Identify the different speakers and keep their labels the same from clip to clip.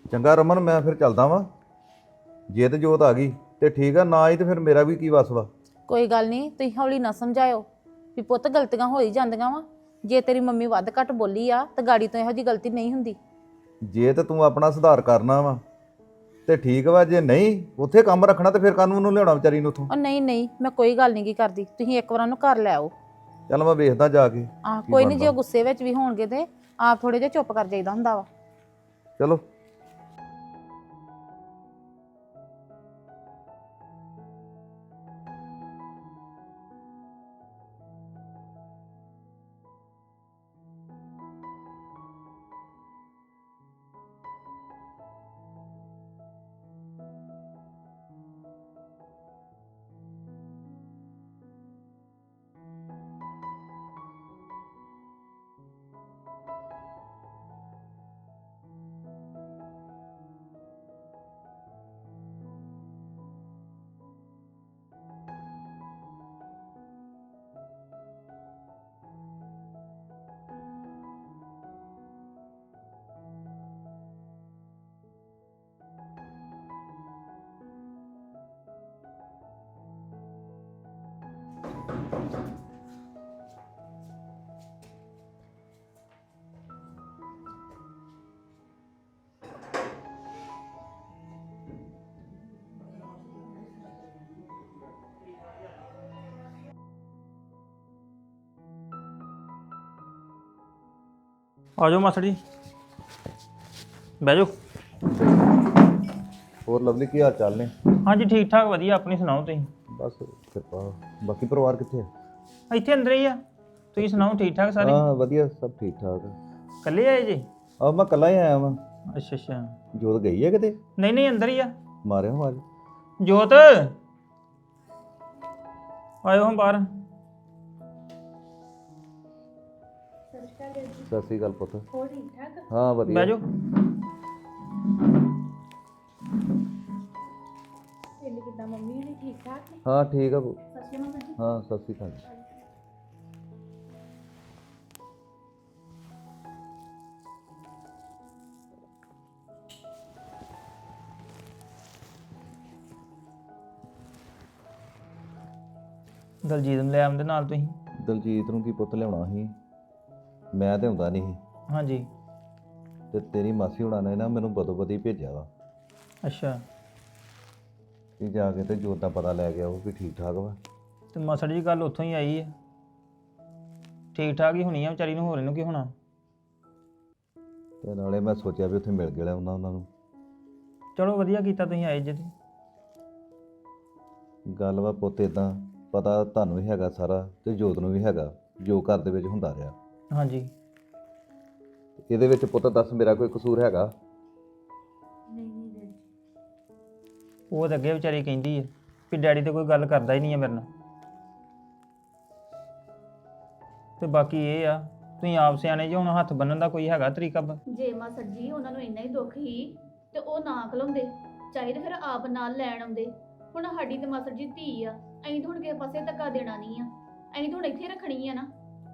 Speaker 1: ਚੰਗਾ ਰਮਨ, ਮੈਂ ਫਿਰ ਚੱਲਦਾ ਵਾਂ। ਜੇ ਤੇ ਜੋਤ ਆ ਗਈ ਤੇ ਠੀਕ ਆ, ਨਾ ਆਈ ਤੇ ਫਿਰ ਮੇਰਾ ਵੀ ਕੀ ਵਸ ਵਾ।
Speaker 2: ਕੋਈ ਗੱਲ ਨਹੀਂ, ਤੁਸੀਂ ਹੌਲੀ ਨਾ ਸਮਝਾਇਓ ਵੀ ਪੁੱਤ ਗਲਤੀਆਂ ਹੋ ਹੀ ਜਾਂਦੀਆਂ ਵਾ। ਜੇ ਤੇਰੀ ਮੰਮੀ ਵੱਧ ਘੱਟ ਬੋਲੀ ਆ ਤਾਂ ਗਾੜੀ ਤੋਂ ਇਹੋ ਜੀ ਗਲਤੀ ਨਹੀਂ ਹੁੰਦੀ।
Speaker 1: ਜੇ ਤੇ ਤੂੰ ਆਪਣਾ ਸੁਧਾਰ ਕਰਨਾ ਵਾ ਤੇ ਠੀਕ ਵਾ, ਜੇ ਨਹੀਂ ਉੱਥੇ ਕੰਮ ਰੱਖਣਾ ਤੇ ਫਿਰ ਕਾਨੂੰਨ ਨੂੰ ਲਿਆਉਣਾ ਵਿਚਾਰੀ ਨੂੰ ਉੱਥੋਂ।
Speaker 2: ਉਹ ਨਹੀਂ ਨਹੀਂ, ਮੈਂ ਕੋਈ ਗੱਲ ਨਹੀਂ ਕੀ ਕਰਦੀ, ਤੁਸੀਂ ਇੱਕ ਵਾਰ ਉਹਨੂੰ ਘਰ ਲੈ ਆਓ।
Speaker 1: ਚੱਲ ਮੈਂ ਵੇਖਦਾ ਜਾ ਕੇ ਕੀ
Speaker 2: ਕੋਈ ਨਹੀਂ, ਜੇ
Speaker 1: ਬਣਦਾ।
Speaker 2: ਉਹ ਗੁੱਸੇ ਵਿੱਚ ਵੀ ਹੋਣਗੇ ਤੇ ਆਪ ਥੋੜੇ ਜਿਹਾ ਚੁੱਪ ਕਰ ਜਾਈਦਾ ਹੁੰਦਾ ਵਾ।
Speaker 1: ਚਲੋ।
Speaker 3: ਆ ਜਾਓ ਮਾਸੜ ਜੀ, ਬਹਿ ਜਾਓ।
Speaker 1: ਹੋਰ ਲਵਲੀ, ਕੀ ਹਾਲ ਚਾਲ ਨੇ?
Speaker 3: ਹਾਂਜੀ ਠੀਕ ਠਾਕ ਵਧੀਆ, ਆਪਣੀ ਸੁਣਾਓ ਤੁਸੀਂ?
Speaker 1: ਬਸ ਕਿਰਪਾ। ਬਾਕੀ ਪਰਿਵਾਰ ਕਿੱਥੇ ਆ?
Speaker 3: ਇੱਥੇ ਅੰਦਰ ਹੀ ਆ। ਤੁਸੀਂ ਸੁਣਾਓ ਠੀਕ ਠਾਕ ਸਾਰੇ?
Speaker 1: ਹਾਂ ਵਧੀਆ, ਸਭ ਠੀਕ ਠਾਕ।
Speaker 3: ਇਕੱਲੇ ਆਏ ਜੀ?
Speaker 1: ਆ ਮੈਂ ਕੱਲਾ ਹੀ ਆਇਆ ਵਾਂ।
Speaker 3: ਅੱਛਾ ਅੱਛਾ।
Speaker 1: ਜੋਤ ਗਈ ਹੈ ਕਿਤੇ?
Speaker 3: ਨਹੀਂ ਨਹੀਂ, ਅੰਦਰ ਹੀ ਆ।
Speaker 1: ਮਾਰਿਆ ਆਵਾਜ਼।
Speaker 3: ਜੋਤ ਆਇਓ ਹਾਂ ਬਾਹਰ।
Speaker 1: ਸਤਿ ਸ਼੍ਰੀ ਅਕਾਲ ਪੁੱਤ। ਹੋਰ ਠੀਕ ਠਾਕ? ਹਾਂ ਵਧੀਆ।
Speaker 3: ਬਹਿ ਜਾਓ।
Speaker 2: ਕਿੱਦਾਂ ਮੰਮੀ ਨੇ ਠੀਕ ਠਾਕ ਨੇ?
Speaker 1: ਹਾਂ ਠੀਕ ਆ।
Speaker 2: ਸਤਿ ਸ਼੍ਰੀ ਅਕਾਲ ਜੀ।
Speaker 1: ਹਾਂ ਸਤਿ ਸ਼੍ਰੀ ਅਕਾਲ।
Speaker 3: ਦਲਜੀਤ ਨੂੰ ਲੈ ਆਉਂਦੇ ਨਾਲ ਤੁਸੀਂ?
Speaker 1: ਦਲਜੀਤ ਨੂੰ ਕੀ ਪੁੱਤ ਲਿਆਉਣਾ ਸੀ, ਮੈਂ ਤੇ ਹੁੰਦਾ ਨਹੀਂ ਸੀ।
Speaker 3: ਹਾਂਜੀ।
Speaker 1: ਤੇ ਤੇਰੀ ਮਾਸੀ ਹੁਣਾਂ ਨੇ ਨਾ ਮੈਨੂੰ ਬਦੋ ਬਦੀ ਭੇਜਿਆ ਵਾ
Speaker 3: ਅੱਛਾ।
Speaker 1: ਕਿ ਜਾ ਕੇ ਤੇ ਜੋਤ ਦਾ ਪਤਾ ਲੈ ਕੇ ਆਓ ਵੀ ਠੀਕ ਠਾਕ ਵਾ।
Speaker 3: ਤੇ ਮਾਸੜ ਜੀ ਗੱਲ ਉੱਥੋਂ ਹੀ ਆਈ ਹੈ, ਠੀਕ ਠਾਕ ਹੀ ਹੋਣੀ ਆ ਵਿਚਾਰੀ ਨੂੰ, ਹੋਰ ਇਹਨੂੰ ਕੀ ਹੋਣਾ।
Speaker 1: ਤੇ ਨਾਲੇ ਮੈਂ ਸੋਚਿਆ ਵੀ ਉੱਥੇ ਮਿਲ ਗਿਆ ਉਹਨਾਂ ਨੂੰ।
Speaker 3: ਚਲੋ ਵਧੀਆ ਕੀਤਾ ਤੁਸੀਂ ਆਏ ਜੇ ਤੇ।
Speaker 1: ਗੱਲ ਵਾ ਪੁੱਤ ਇਦਾਂ, ਪਤਾ ਤੁਹਾਨੂੰ ਵੀ ਹੈਗਾ ਸਾਰਾ ਤੇ ਜੋਤ ਨੂੰ ਵੀ ਹੈਗਾ ਜੋ ਘਰ ਦੇ ਵਿੱਚ ਹੁੰਦਾ ਰਿਹਾ।
Speaker 3: ਹਾਂਜੀ।
Speaker 1: ਇਹਦੇ ਵਿੱਚ ਪੁੱਤ ਦੱਸ ਮੇਰਾ ਕੋਈ ਕਸੂਰ ਹੈਗਾ?
Speaker 3: ਉਹ ਤਾਂ ਅੱਗੇ ਵਿਚਾਰੀ ਕਹਿੰਦੀ ਹੈ ਵੀ ਡੈਡੀ ਤੇ ਕੋਈ ਗੱਲ ਕਰਦਾ ਹੀ ਨਹੀਂ ਹੈ ਮੇਰੇ ਨਾਲ। ਤੇ ਬਾਕੀ ਇਹ ਆ, ਤੁਸੀਂ ਆਪ ਸਿਆਣੇ ਜੇ, ਹੁਣ ਹੱਥ ਬੰਨਣ ਦਾ ਕੋਈ ਹੈਗਾ ਤਰੀਕਾ?
Speaker 4: ਜੇ ਮਾਸੜ ਜੀ ਉਹਨਾਂ ਨੂੰ ਇੰਨਾ ਹੀ ਦੁੱਖ ਹੀ ਤੇ ਉਹ ਨਾ ਖਲੋਂਦੇ, ਚਾਹੀਦੇ ਫਿਰ ਆਪ ਨਾਲ ਲੈਣ ਆਉਂਦੇ। ਹੁਣ ਸਾਡੀ ਤੇ ਮਾਸੜ ਜੀ ਧੀ ਆ, ਅਸੀਂ ਤਾਂ ਹੁਣ ਕਿਸੇ ਪਾਸੇ ਧੱਕਾ ਦੇਣਾ ਨਹੀਂ ਆ, ਅਸੀਂ ਤਾਂ ਹੁਣ ਇੱਥੇ ਰੱਖਣੀ ਆ ਨਾ।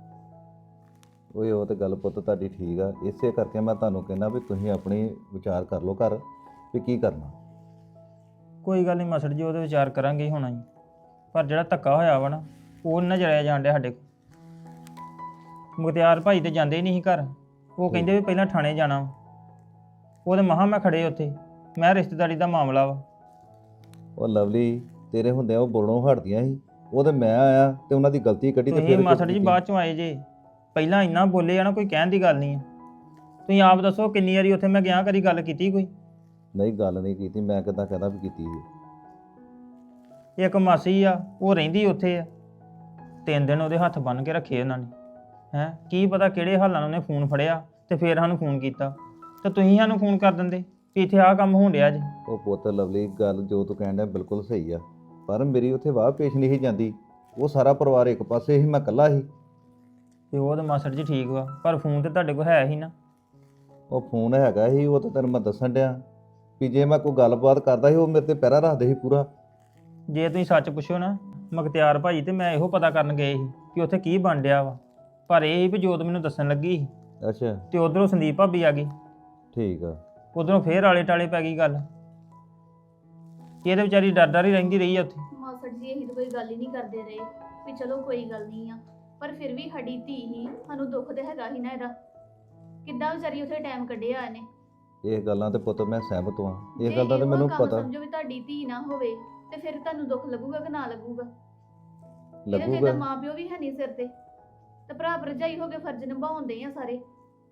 Speaker 1: ਓਏ ਉਹ ਤੇ ਗੱਲ ਪੁੱਤ ਤੁਹਾਡੀ ਠੀਕ ਆ, ਇਸੇ ਕਰਕੇ ਮੈਂ ਤੁਹਾਨੂੰ ਕਹਿੰਦਾ ਵੀ ਤੁਸੀਂ ਆਪਣੀ ਵਿਚਾਰ ਕਰ ਲਓ ਘਰ ਵੀ ਕੀ ਕਰਨਾ।
Speaker 3: ਕੋਈ ਗੱਲ ਨਹੀਂ ਮਾਸੜ ਜੀ, ਉਹਦੇ ਵਿਚਾਰ ਕਰਾਂਗੇ ਹੀ ਹੋਣਾ ਜੀ, ਪਰ ਜਿਹੜਾ ਧੱਕਾ ਹੋਇਆ ਵਾ ਨਾ ਉਹ ਨਾ ਜਰਿਆ ਜਾਣ ਡਿਆ ਸਾਡੇ ਕੋਲ। ਮੁਖਤਿਆਰ ਭਾਈ ਤੇ ਜਾਂਦੇ ਹੀ ਨਹੀਂ ਸੀ ਘਰ, ਉਹ ਕਹਿੰਦੇ ਵੀ ਪਹਿਲਾਂ ਥਾਣੇ ਜਾਣਾ ਵਾ। ਉਹਦੇ ਮਹਾਂ ਮੈਂ ਖੜੇ ਉੱਥੇ, ਮੈਂ ਰਿਸ਼ਤੇਦਾਰੀ ਦਾ ਮਾਮਲਾ ਵਾ।
Speaker 1: ਉਹ ਲਵਲੀ ਤੇਰੇ ਹੁੰਦੇ ਉਹ ਬੋਲਣੋਂ ਹਟਦੀਆਂ ਸੀ, ਉਹ ਤੇ ਮੈਂ ਆਇਆ ਤੇ ਉਹਨਾਂ ਦੀ ਗਲਤੀ ਕੱਢੀ ਤੇ
Speaker 3: ਤੁਸੀਂ
Speaker 1: ਫਿਰ
Speaker 3: ਮਾਸੜ ਜੀ ਬਾਅਦ ਚੋਂ ਆਏ ਜੇ, ਪਹਿਲਾਂ ਇੰਨਾ ਬੋਲੇ ਆ ਨਾ, ਕੋਈ ਕਹਿਣ ਦੀ ਗੱਲ ਨਹੀਂ ਹੈ। ਤੁਸੀਂ ਆਪ ਦੱਸੋ ਕਿੰਨੀ ਵਾਰੀ ਉੱਥੇ ਮੈਂ ਗਿਆ, ਕਦੀ ਗੱਲ ਕੀਤੀ ਕੋਈ?
Speaker 1: ਨਹੀਂ ਗੱਲ ਨਹੀਂ ਕੀਤੀ, ਮੈਂ ਕਿੱਦਾਂ ਕਹਦਾ ਵੀ ਕੀਤੀ ਸੀ।
Speaker 3: ਇੱਕ ਮਾਸੀ ਆ, ਉਹ ਰਹਿੰਦੀ ਉੱਥੇ ਆ, 3 ਦਿਨ ਉਹਦੇ ਹੱਥ ਬੰਨ੍ਹ ਕੇ ਰੱਖੇ ਉਹਨਾਂ ਨੇ। ਹੈਂ, ਕੀ ਪਤਾ ਕਿਹੜੇ ਹਾਲਾਂ ਨਾਲ ਉਹਨੇ ਫੋਨ ਫੜਿਆ ਤੇ ਫੇਰ ਸਾਨੂੰ ਫੋਨ ਕੀਤਾ, ਤੇ ਤੁਸੀਂ ਸਾਨੂੰ ਫੋਨ ਕਰ ਦਿੰਦੇ ਵੀ ਇੱਥੇ ਆਹ ਕੰਮ ਹੋਣ ਡਿਆ ਜੀ।
Speaker 1: ਉਹ ਪੁੱਤ ਲਵਲੀ ਗੱਲ ਜੋ ਤੂੰ ਕਹਿਣ ਡਿਆ ਬਿਲਕੁਲ ਸਹੀ ਆ, ਪਰ ਮੇਰੀ ਉੱਥੇ ਵਾਹ ਪੇਸ਼ ਨਹੀਂ ਸੀ ਜਾਂਦੀ। ਉਹ ਸਾਰਾ ਪਰਿਵਾਰ ਇੱਕ ਪਾਸੇ ਸੀ, ਮੈਂ ਇਕੱਲਾ ਸੀ।
Speaker 3: ਤੇ ਉਹ ਤਾਂ ਮਾਸੜ ਜੀ ਠੀਕ ਵਾ, ਪਰ ਫੋਨ ਤੇ ਤੁਹਾਡੇ ਕੋਲ ਹੈ ਹੀ ਨਾ।
Speaker 1: ਉਹ ਫੋਨ ਹੈਗਾ ਸੀ, ਉਹ ਤਾਂ ਤੈਨੂੰ ਮੈਂ ਦੱਸਣ ਡਿਆ ਵੀ ਜੇ ਮੈਂ ਕੋਈ ਗੱਲਬਾਤ ਕਰਦਾ ਸੀ ਉਹ ਮੇਰੇ ਤੇ ਪਹਿਰਾ ਰੱਖਦੇ ਸੀ ਪੂਰਾ।
Speaker 3: ਜੇ ਤੁਸੀਂ ਸੱਚ ਪੁੱਛੋ ਨਾ ਮੁਖਤਿਆਰ ਭਾਈ, ਤੇ ਮੈਂ ਇਹੋ ਪਤਾ ਕਰਨ ਗਏ ਸੀ ਕਿ ਉੱਥੇ ਕੀ ਬਣ ਡਿਆ ਵਾ, ਪਰ ਇਹ ਸੀ ਵੀ ਜੋਤ ਮੈਨੂੰ ਦੱਸਣ ਲੱਗੀ ਸੀ।
Speaker 1: ਅੱਛਾ।
Speaker 3: ਤੇ ਉਧਰੋਂ ਸੰਦੀਪ ਭਾਬੀ ਆ ਗਈ।
Speaker 1: ਠੀਕ ਆ।
Speaker 3: ਉਧਰੋਂ ਫੇਰ ਆਲੇ ਟਾਲੇ ਪੈ ਗਈ ਗੱਲ। ਇਹ ਤੇ ਵਿਚਾਰੀ ਡਰ ਡਰ ਹੀ ਰਹਿੰਦੀ ਰਹੀ ਆ ਉੱਥੇ।
Speaker 4: ਮਾਸੜ ਜੀ ਅਸੀਂ ਤਾਂ ਕੋਈ ਗੱਲ ਹੀ ਨਹੀਂ ਕਰਦੇ ਰਹੇ ਵੀ ਚਲੋ ਕੋਈ ਗੱਲ ਨਹੀਂ ਆ, ਪਰ ਫਿਰ ਵੀ ਸਾਡੀ ਧੀ ਹੀ, ਸਾਨੂੰ ਦੁੱਖ ਤੇ ਹੈਗਾ ਹੀ ਨਾ ਇਹਦਾ। ਕਿੱਦਾਂ ਵਿਚਾਰੀ ਉੱਥੇ ਟਾਈਮ ਕੱਢਿਆ ਇਹਨੇ।
Speaker 1: ਇਹ ਗੱਲਾਂ ਤੇ ਪੁੱਤ ਮੈਂ ਸਹਿਮਤ ਹਾਂ, ਇਹ
Speaker 4: ਜੇ
Speaker 1: ਗੱਲ ਦਾ ਤੇ
Speaker 4: ਇਹੋ
Speaker 1: ਮੈਨੂੰ
Speaker 4: ਕੰਮ
Speaker 1: ਪਤਾ
Speaker 4: ਸਮਝੋ ਵੀ ਤੁਹਾਡੀ ਧੀ ਨਾ ਹੋਵੇ ਤੇ ਫਿਰ ਤੁਹਾਨੂੰ ਦੁੱਖ ਲੱਗੂਗਾ ਕਿ ਨਾ ਲੱਗੂਗਾ। ਇਹਦੇ ਫਿਰ
Speaker 1: ਲੱਗੂਗਾ।
Speaker 4: ਤਾਂ ਮਾਂ ਪਿਓ ਵੀ ਹੈ ਨਹੀਂ ਸਿਰ ਤੇ ਭਰਾ ਭਰਜਾਈ ਹੋ ਕੇ ਫਰਜ਼ ਨਿਭਾਉਂਦੇ ਆ ਸਾਰੇ।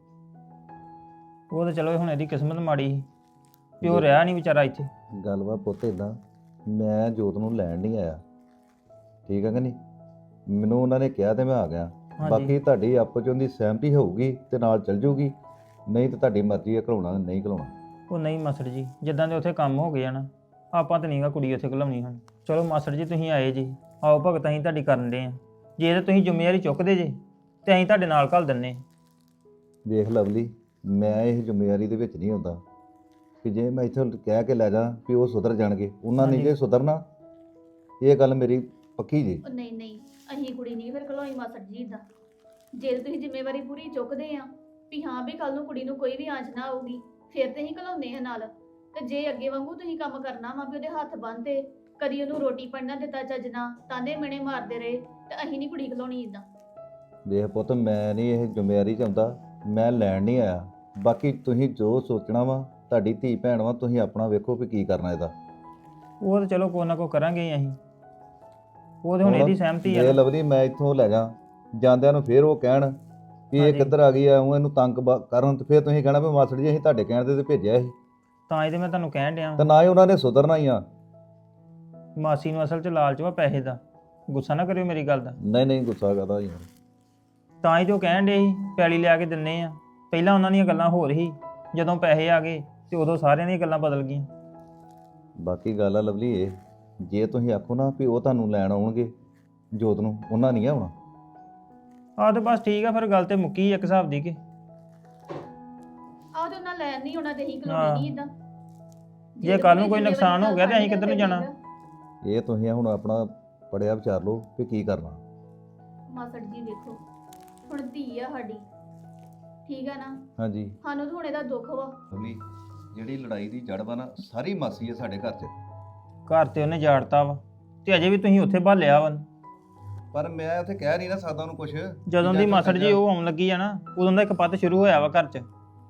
Speaker 3: ਉਹ ਤਾਂ ਚਲੋ ਹੁਣ ਇਹਦੀ ਕਿਸਮਤ ਮਾੜੀ ਸੀ ਵੀ ਉਹ ਰਿਹਾ ਨਹੀਂ ਵਿਚਾਰਾ ਇੱਥੇ।
Speaker 1: ਗੱਲ ਵਾ ਪੁੱਤ ਇਦਾਂ, ਮੈਂ ਜੋਤ ਨੂੰ ਲੈਣ ਨਹੀਂ ਆਇਆ, ਠੀਕ ਹੈ ਕਿ ਨਹੀਂ। ਮੈਨੂੰ ਉਹਨਾਂ ਨੇ ਕਿਹਾ ਤੇ ਮੈਂ ਆ ਗਿਆ।
Speaker 3: ਹਾਂਜੀ।
Speaker 1: ਬਾਕੀ ਤੁਹਾਡੀ ਆਪਸ ਚ ਉਹਦੀ ਸਹਿਮਤੀ ਹੋਊਗੀ ਤੇ ਨਾਲ ਚੱਲ ਜੂਗੀ, ਨਹੀਂ ਤਾਂ ਤੁਹਾਡੀ ਮਰਜ਼ੀ ਹੈ ਘਲਾਉਣਾ ਨਹੀਂ ਘਲਾਉਣਾ।
Speaker 3: ਉਹ ਨਹੀਂ ਮਾਸੜ ਜੀ, ਜਿੱਦਾਂ ਦੇ ਉੱਥੇ ਕੰਮ ਹੋ ਗਏ ਆ ਨਾ, ਆਪਾਂ ਤਾਂ ਨਹੀਂਗਾ ਕੁੜੀ ਉੱਥੇ ਘਲਾਉਣੀ ਹੁਣ। ਚਲੋ ਮਾਸੜ ਜੀ ਤੁਸੀਂ ਆਏ ਜੀ, ਆਓ ਭਗਤ ਅਸੀਂ ਤੁਹਾਡੀ ਕਰਨ ਦੇ ਆ। ਜੇ ਤਾਂ ਤੁਸੀਂ ਜ਼ਿੰਮੇਵਾਰੀ ਚੁੱਕਦੇ ਜੇ ਤੇ ਅਸੀਂ ਤੁਹਾਡੇ ਨਾਲ ਘੱਲ ਦਿੰਨੇ।
Speaker 1: ਵੇਖ ਲਵਲੀ, ਮੈਂ ਇਹ ਜ਼ਿੰਮੇਵਾਰੀ ਦੇ ਵਿੱਚ ਨਹੀਂ ਹੁੰਦਾ ਕਿ ਜੇ ਮੈਂ ਇੱਥੋਂ ਕਹਿ ਕੇ ਲੈ ਜਾ ਵੀ ਉਹ ਸੁਧਰ ਜਾਣਗੇ, ਉਹਨਾਂ ਨੇ
Speaker 3: ਹਾਂਜੀ।
Speaker 1: ਜੇ ਸੁਧਰਨਾ। ਇਹ ਗੱਲ ਮੇਰੀ ਪੱਕੀ ਜੀ।
Speaker 4: ਉਹ ਨਹੀਂ ਨਹੀਂ, ਅਸੀਂ ਕੁੜੀ ਨਹੀਂ ਫਿਰ ਘਲੋਈ ਮਾਸੜ ਜੀ ਦਾ। ਜੇ ਤੁਸੀਂ ਜ਼ਿੰਮੇਵਾਰੀ ਪੂਰੀ ਚੁੱਕਦੇ ਆ ਵੀ ਹਾਂ ਵੀ ਕੱਲ ਨੂੰ ਕੁੜੀ ਨੂੰ ਕੋਈ ਵੀ ਆਂਚ ਨਾ ਆਊਗੀ, ਫਿਰ ਤੇ ਅਸੀਂ ਘਲਾਉਂਦੇ ਆ ਨਾਲ। ਤੇ ਜੇ ਅੱਗੇ ਵਾਂਗੂ ਤੁਸੀਂ ਕੰਮ ਕਰਨਾ ਵਾ ਵੀ ਉਹਦੇ ਹੱਥ ਬੰਨ੍ਹਦੇ, ਕਦੀ ਉਹਨੂੰ ਰੋਟੀ ਪੜਨਾ ਦਿੱਤਾ ਚੱਜ ਨਾਲ, ਤਾਨੇ ਮਿਹਣੇ ਮਾਰਦੇ ਰਹੇ, ਤੇ ਅਸੀਂ ਨਹੀਂ ਕੁੜੀ ਘਲਾਉਣੀ ਇਦਾਂ।
Speaker 1: ਵੇਖ ਪੁੱਤ, ਮੈਂ ਨਹੀਂ ਇਹ ਜ਼ਿੰਮੇਵਾਰੀ ਚਾਹੁੰਦਾ, ਮੈਂ ਲੈਣ ਨਹੀਂ ਆਇਆ। ਬਾਕੀ ਤੁਸੀਂ ਜੋ ਸੋਚਣਾ ਵਾ, ਤੁਹਾਡੀ ਧੀ ਭੈਣ ਵਾ, ਤੁਸੀਂ ਆਪਣਾ ਵੇਖੋ ਵੀ ਕੀ ਕਰਨਾ ਇਹਦਾ।
Speaker 3: ਉਹ ਤਾਂ ਚਲੋ ਕੋਈ ਨਾ ਕੋਈ ਕਰਾਂਗੇ ਹੀ ਅਸੀਂ। ਉਹ ਤੇ ਹੁਣ ਇਹਦੀ ਸਹਿਮਤੀ
Speaker 1: ਜੇ
Speaker 3: ਆ।
Speaker 1: ਲਵਲੀ ਮੈਂ ਇੱਥੋਂ ਲੈ ਜਾ, ਜਾਂਦਿਆਂ ਨੂੰ ਫੇਰ ਉਹ ਕਹਿਣ ਵੀ ਇਹ
Speaker 3: ਹਾਂਜੀ।
Speaker 1: ਕਿੱਧਰ ਆ ਗਈ ਆ, ਉਹ ਇਹਨੂੰ ਤੰਗ ਕਰਨ, ਤੇ ਫੇਰ ਤੁਸੀਂ ਕਹਿਣਾ ਵੀ ਮਾਸੜ ਜੀ ਅਸੀਂ ਤੁਹਾਡੇ ਕਹਿਣ ਤੇ ਭੇਜਿਆ ਸੀ।
Speaker 3: ਤਾਂ ਇਹਦੇ ਮੈਂ ਤੁਹਾਨੂੰ ਕਹਿਣ ਡਿਆ
Speaker 1: ਤੇ ਨਾ ਹੀ ਉਹਨਾਂ ਨੇ ਸੁਧਰਨਾ ਹੀ ਆ।
Speaker 3: ਮਾਸੀ ਨੂੰ ਅਸਲ 'ਚ ਲਾਲਚ ਵਾ ਪੈਸੇ ਦਾ। ਗੁੱਸਾ ਨਾ ਕਰਿਓ ਮੇਰੀ ਗੱਲ ਦਾ।
Speaker 1: ਨਹੀਂ ਨਹੀਂ, ਗੁੱਸਾ ਕਰਦਾ ਯਾਰ।
Speaker 3: ਤਾਂ ਹੀ ਜੋ ਕਹਿਣ ਡੇ ਸੀ ਪੈਲੀ ਲਿਆ ਕੇ ਦਿੰਨੇ ਆ। ਪਹਿਲਾਂ ਉਹਨਾਂ ਦੀਆਂ ਗੱਲਾਂ ਹੋਰ ਸੀ, ਜਦੋਂ ਪੈਸੇ ਆ ਗਏ ਤੇ ਉਦੋਂ ਸਾਰਿਆਂ ਦੀਆਂ ਗੱਲਾਂ ਬਦਲ ਗਈਆਂ।
Speaker 1: ਬਾਕੀ ਗੱਲ ਆ ਲਵਲੀ ਇਹ, ਜੇ ਤੁਸੀਂ ਆਖੋ ਨਾ ਵੀ ਉਹ ਤੁਹਾਨੂੰ ਲੈਣ ਆਉਣਗੇ ਜੋਤ ਨੂੰ, ਉਹਨਾਂ ਨਹੀਂ ਆਉਣਾ।
Speaker 3: ਆਹ ਤੇ ਬਸ ਠੀਕ ਆ, ਫਿਰ ਗੱਲ ਤੇ ਮੁੱਕੀ ਇੱਕ ਹਿਸਾਬ ਦੀ ਕਿ
Speaker 4: ਆਹ ਤੇ ਉਹਨਾਂ ਲੈਣ ਨਹੀਂ ਆਉਣਾ ਤੇ ਅਸੀਂ
Speaker 3: ਹਾਂ।
Speaker 4: ਘਲਾਉਣੀ ਨਹੀਂ ਇਦਾਂ।
Speaker 3: ਜੇ ਕੱਲ ਨੂੰ ਕੋਈ ਨੁਕਸਾਨ ਹੋ ਗਿਆ ਤੇ ਅਸੀਂ ਕਿੱਧਰ ਨੂੰ ਜਾਣਾ?
Speaker 1: ਇਹ ਤੁਸੀਂ ਹੁਣ ਆਪਣਾ ਪੜਿਆ ਵਿਚਾਰ ਲਓ ਵੀ ਕੀ ਕਰਨਾ।
Speaker 4: ਮਾਸੜ ਜੀ ਵੇਖੋ, ਹੁਣ ਧੀ ਆ ਸਾਡੀ, ਠੀਕ ਆ ਨਾ।
Speaker 1: ਹਾਂਜੀ
Speaker 4: ਸਾਨੂੰ ਤਾਂ ਹੁਣ ਇਹਦਾ ਦੁੱਖ ਵਾ।
Speaker 1: ਲਵਲੀ, ਜਿਹੜੀ ਲੜਾਈ ਦੀ ਜੜ ਵਾ ਨਾ, ਸਾਰੀ ਮਾਸੀ ਹੈ ਸਾਡੇ ਘਰ 'ਚ।
Speaker 3: ਘਰ ਤੇ ਉਹਨੇ ਜਾੜਤਾ ਵਾ ਤੇ ਅਜੇ ਵੀ ਤੁਸੀਂ ਉੱਥੇ ਭਾਲਿਆ ਵਾ।
Speaker 1: ਪਰ ਮੈਂ ਉੱਥੇ ਕਹਿ ਨਹੀਂ ਨਾ ਸਕਦਾ ਉਹਨੂੰ ਕੁਝ।
Speaker 3: ਜਦੋਂ ਦੀ ਮਾਸੜ ਜੀ ਉਹ ਆਉਣ ਲੱਗੀ ਆ ਨਾ, ਉਦੋਂ ਦਾ ਇੱਕ ਪੱਤ ਸ਼ੁਰੂ ਹੋਇਆ ਵਾ ਘਰ 'ਚ।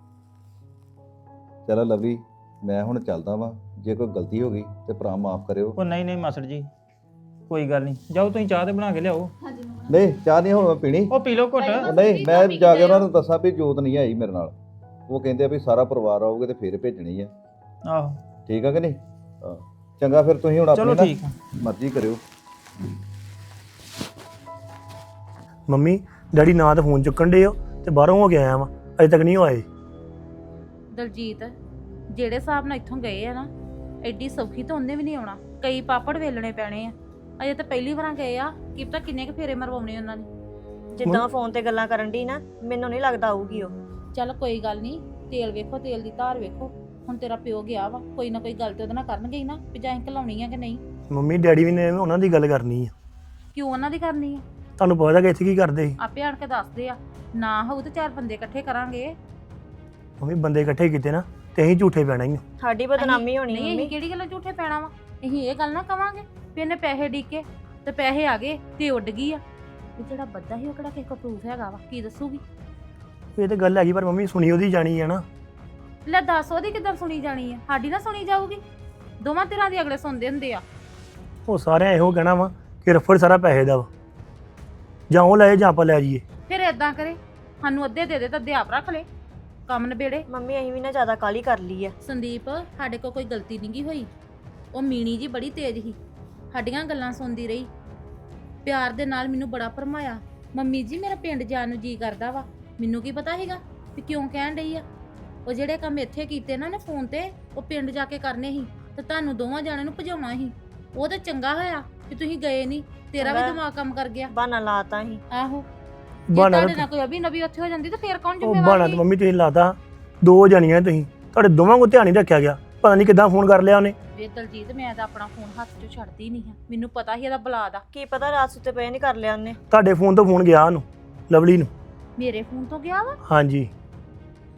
Speaker 1: ਚਲੋ ਲਵਲੀ, ਮੈਂ ਹੁਣ ਚੱਲਦਾ ਵਾਂ। ਜੇ ਕੋਈ ਗਲਤੀ ਹੋ ਗਈ ਤੇ ਭਰਾ ਮਾਫ ਕਰਿਓ।
Speaker 3: ਉਹ ਨਹੀਂ ਨਹੀਂ ਮਾਸੜ ਜੀ, ਕੋਈ ਗੱਲ ਨਹੀਂ, ਜਾਓ ਤੁਸੀਂ ਚਾਹ ਤੇ ਬਣਾ ਕੇ ਲਿਆਓ।
Speaker 4: ਹਾਂਜੀ ਮੰਮਾ।
Speaker 1: ਨਹੀਂ, ਚਾਹ ਨਹੀਂ ਹੁਣ ਮੈਂ ਪੀਣੀ।
Speaker 3: ਉਹ ਪੀ ਲਓ ਘੁੱਟ।
Speaker 4: ਨਹੀਂ,
Speaker 1: ਨਹੀਂ, ਮੈਂ ਜਾ ਕੇ ਉਹਨਾਂ ਨੂੰ ਦੱਸਾਂ ਵੀ ਜੋਤ ਨਹੀਂ ਆਈ ਮੇਰੇ ਨਾਲ। ਉਹ ਕਹਿੰਦੇ ਆ ਵੀ ਸਾਰਾ ਪਰਿਵਾਰ ਆਊਗੇ ਤੇ ਫਿਰ ਭੇਜਣੀ ਆ।
Speaker 3: ਆਹੋ
Speaker 1: ਠੀਕ ਆ ਕਿ ਨਹੀਂ? ਹਾਂ। ਚੰਗਾ, ਫਿਰ ਤੁਸੀਂ ਹੁਣ
Speaker 3: ਚਲੋ
Speaker 1: ਆਪਣੀ
Speaker 3: ਠੀਕ ਆ।
Speaker 1: ਨਾ ਮਰਜ਼ੀ ਕਰਿਓ।
Speaker 5: ਮੰਮੀ ਡੈਡੀ ਨਾ ਤਾਂ ਫੋਨ ਚੁੱਕਣ ਡੇ ਹੋ ਤੇ ਬਾਹਰੋਂ ਹੋ ਕੇ ਆਇਆ ਵਾਂ, ਅਜੇ ਤੱਕ ਨਹੀਂ ਉਹ ਆਏ।
Speaker 2: ਦਲਜੀਤ, ਜਿਹੜੇ ਹਿਸਾਬ ਨਾਲ ਇੱਥੋਂ ਗਏ ਆ ਨਾ, ਐਡੀ ਸੌਖੀ ਤਾਂ ਉਹਨੇ ਵੀ ਨਹੀਂ ਆਉਣਾ। ਕਈ ਪਾਪੜ ਵੇਲਣੇ ਪੈਣੇ ਆ। ਅਜੇ ਤਾਂ ਪਹਿਲੀ ਵਾਰਾਂ ਗਏ ਆ, ਕੀ ਪਤਾ ਕਿੰਨੇ ਕੁ ਫੇਰੇ ਮਰਵਾਉਣੇ ਉਹਨਾਂ ਨੇ।
Speaker 6: ਜਿੱਦਾਂ ਫੋਨ ਤੇ ਗੱਲਾਂ ਕਰਨ ਦੀ ਨਾ, ਮੈਨੂੰ ਨਹੀਂ ਲੱਗਦਾ ਆਊਗੀ ਉਹ।
Speaker 2: ਚੱਲ ਕੋਈ ਗੱਲ ਨਹੀਂ, ਤੇਲ ਵੇਖੋ, ਤੇਲ ਦੀ ਧਾਰ ਵੇਖੋ। ਹੁਣ ਤੇਰਾ ਪਿਓ ਗਿਆ ਵਾ, ਕੋਈ ਨਾ ਕੋਈ ਗੱਲ ਤੇ ਉਹਦੇ ਨਾਲ ਕਰਨਗੇ ਹੀ ਨਾ ਵੀ ਜਾਂ ਅਸੀਂ ਘਲਾਉਣੀ ਆ ਕਿ ਨਹੀਂ।
Speaker 5: ਮੰਮੀ ਡੈਡੀ ਵੀ ਨੇ ਉਹਨਾਂ ਦੀ ਗੱਲ ਕਰਨੀ ਆ।
Speaker 2: ਕਿਉਂ ਉਹਨਾਂ ਦੀ ਕਰਨੀ ਆ?
Speaker 5: ਤੁਹਾਨੂੰ ਪਤਾ ਕਿ ਇੱਥੇ ਕੀ ਕਰਦੇ ਸੀ।
Speaker 2: ਆਪੇ ਆਣ ਕੇ ਦੱਸਦੇ ਆ। ਨਾ ਹੋਊ ਤੇ 4 ਬੰਦੇ ਇਕੱਠੇ ਕਰਾਂਗੇ।
Speaker 5: ਮੰਮੀ ਬੰਦੇ ਇਕੱਠੇ ਕੀਤੇ ਨਾ ਤੇ ਅਸੀਂ ਝੂਠੇ ਪੈਣਾ ਹੀ ਆ।
Speaker 6: ਸਾਡੀ ਬਦਨਾਮੀ ਹੋਣੀ
Speaker 2: ਨਹੀਂ,
Speaker 6: ਮੰਮੀ।
Speaker 2: ਅਸੀਂ ਕਿਹੜੀ ਗੱਲੋਂ ਝੂਠੇ ਪੈਣਾ ਵਾ? ਅਸੀਂ ਇਹ ਗੱਲ ਨਾ ਕਵਾਂਗੇ ਵੀ ਇਹਨੇ ਪੈਸੇ ਡੀਕੇ ਤੇ ਪੈਸੇ ਆ ਗਏ ਤੇ ਉੱਡ ਗਈ ਆ। ਇਹ ਜਿਹੜਾ ਬੱਦਾ ਸੀ ਉਹ ਕਿਹੜਾ ਕਿਸੇ ਕੋਲ ਪ੍ਰੂਫ ਹੈਗਾ ਵਾ? ਕੀ ਦੱਸੂਗੀ?
Speaker 5: ਇਹ ਤਾਂ ਗੱਲ ਹੈਗੀ, ਪਰ ਮੰਮੀ ਸੁਣੀ ਉਹਦੀ ਜਾਣੀ ਆ ਨਾ।
Speaker 2: ਲੈ ਦੱਸ, ਉਹਦੀ ਕਿੱਦਾਂ ਸੁਣੀ ਜਾਣੀ ਆ? ਸਾਡੀ ਨਾ ਸੁਣੀ ਜਾਊਗੀ? ਦੋਵਾਂ ਧਿਰਾਂ ਦੀ ਅਗਲੇ ਸੁਣਦੇ ਹੁੰਦੇ ਆ।
Speaker 5: ਉਹ ਸਾਰਿਆਂ ਇਹੋ ਕਹਿਣਾ ਵਾ ਕਿ ਰਫੜ ਸਾਰਾ ਪੈਸੇ ਦਾ ਵਾ, ਜਾਂ ਉਹ ਲੈ ਜਾਂ ਆਪਾਂ ਲੈ ਜਾਈਏ।
Speaker 2: ਫਿਰ ਏਦਾਂ ਕਰੇ, ਸਾਨੂੰ ਅੱਧੇ ਦੇ ਦੇ ਤਾਂ ਅੱਧੇ ਆਪ ਰੱਖ ਲੈ, ਕੰਮ ਨਿਬੇੜੇ।
Speaker 6: ਮੰਮੀ ਅਸੀਂ ਵੀ ਨਾ ਜ਼ਿਆਦਾ ਕਾਹਲੀ ਕਰ ਲਈ ਆ।
Speaker 2: ਸੰਦੀਪ, ਸਾਡੇ ਕੋਲ ਕੋਈ ਗਲਤੀ ਨਹੀਂ ਗੀ ਹੋਈ। ਉਹ ਮੀਣੀ ਜੀ ਬੜੀ ਤੇਜ਼ ਸੀ, ਸਾਡੀਆਂ ਗੱਲਾਂ ਸੁਣਦੀ ਰਹੀ, ਪਿਆਰ ਦੇ ਨਾਲ ਮੈਨੂੰ ਬੜਾ ਭਰਮਾਇਆ। ਮੰਮੀ ਜੀ, ਮੇਰਾ ਪਿੰਡ ਜਾਣ ਨੂੰ ਜੀ ਕਰਦਾ ਵਾ। ਮੈਨੂੰ ਕੀ ਪਤਾ ਸੀਗਾ ਵੀ ਕਿਉਂ ਕਹਿਣ ਡਈ ਆ। ਉਹ ਜਿਹੜੇ ਕੰਮ ਇੱਥੇ ਕੀਤੇ ਨਾ ਨੇ ਫੋਨ ਤੇ, ਉਹ ਪਿੰਡ ਜਾ ਕੇ ਕਰਨੇ ਸੀ ਤੇ ਤੁਹਾਨੂੰ ਦੋਵਾਂ ਜਾਣਿਆਂ ਨੂੰ ਭਜਾਉਣਾ ਸੀ। ਉਹ ਤਾਂ ਚੰਗਾ ਹੋਇਆ ਕਿ ਤੁਸੀਂ ਗਏ ਨਹੀਂ, ਤੇਰਾ ਵੀ ਦਿਮਾਗ ਕੰਮ ਕਰ ਗਿਆ।
Speaker 6: ਬਹਾਨਾ ਲਾਤਾ ਸੀ।
Speaker 2: ਆਹੋ, ਜੇ
Speaker 5: ਬਹਾਨਾ
Speaker 2: ਤੁਹਾਡੇ ਨਾਲ ਕੋਈ ਅਭੀ ਨਬੀ ਉੱਥੇ ਹੋ ਜਾਂਦੀ ਤਾਂ ਫੇਰ ਕੌਣ
Speaker 5: ਉਹ
Speaker 2: ਜ਼ਿੰਮੇਵਾਰ
Speaker 5: ਬਹਾਨਾ
Speaker 2: ਸੀ?
Speaker 5: ਤਾਂ ਮੰਮੀ ਤੁਸੀਂ ਲਾਤਾ, ਦੋ ਜਾਣੀਆਂ ਤੁਸੀਂ, ਤੁਹਾਡੇ ਦੋਵਾਂ ਕੋਲ ਧਿਆਨ ਨਹੀਂ ਰੱਖਿਆ ਗਿਆ। ਪਤਾ ਨਹੀਂ ਕਿੱਦਾਂ ਫੋਨ ਕਰ ਲਿਆ ਉਹਨੇ।
Speaker 2: ਵੇ ਦਲਜੀਤ, ਮੈਂ ਤਾਂ ਆਪਣਾ ਫੋਨ ਹੱਥ 'ਚੋਂ ਛੱਡਦੀ ਨਹੀਂ ਹਾਂ। ਮੈਨੂੰ ਪਤਾ ਸੀ ਇਹਦਾ ਬਲਾ ਦਾ।
Speaker 6: ਕੀ ਪਤਾ ਰਾਤ ਸੁੱਤੇ ਪਏ ਨਹੀਂ ਕਰ ਲਿਆ ਉਹਨੇ।
Speaker 5: ਤੁਹਾਡੇ ਫੋਨ ਤੋਂ ਫੋਨ ਗਿਆ ਉਹਨੂੰ, ਲਵਲੀ ਨੂੰ।
Speaker 2: ਮੇਰੇ ਫੋਨ ਤੋਂ ਗਿਆ ਵਾ?
Speaker 5: ਹਾਂਜੀ।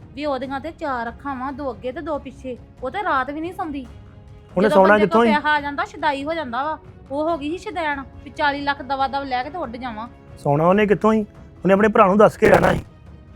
Speaker 2: ਵੀ ਉਹਦੀਆਂ ਤੇ 4 ਅੱਖਾਂ ਵਾਂ, 2 ਅੱਗੇ ਤੇ 2 ਪਿੱਛੇ। ਉਹ ਤੇ ਰਾਤ ਵੀ ਨਹੀਂ ਸੌਂਦੀ।
Speaker 5: ਉਹਨੇ
Speaker 2: ਜਦੋਂ
Speaker 5: ਸੌਣਾ
Speaker 2: ਬੰਦੇ ਕੋਲ
Speaker 5: ਕਿੱਥੋਂ ਹੀ?
Speaker 2: ਪੈਸਾ ਆ ਜਾਂਦਾ ਛਦਾਈ ਹੋ ਜਾਂਦਾ ਵਾ। ਉਹ ਹੋ ਗਈ ਸੀ ਛਦੈਣ ਵੀ 40 ਲੱਖ ਦਵਾ ਦਵ ਲੈ ਕੇ ਤੇ ਉੱਡ ਜਾਵਾਂ।
Speaker 5: ਸੌਣਾ ਉਹਨੇ ਕਿੱਥੋਂ ਹੀ? ਉਹਨੇ ਆਪਣੇ ਭਰਾ ਨੂੰ ਦੱਸ ਕੇ ਰਹਿਣਾ ਸੀ।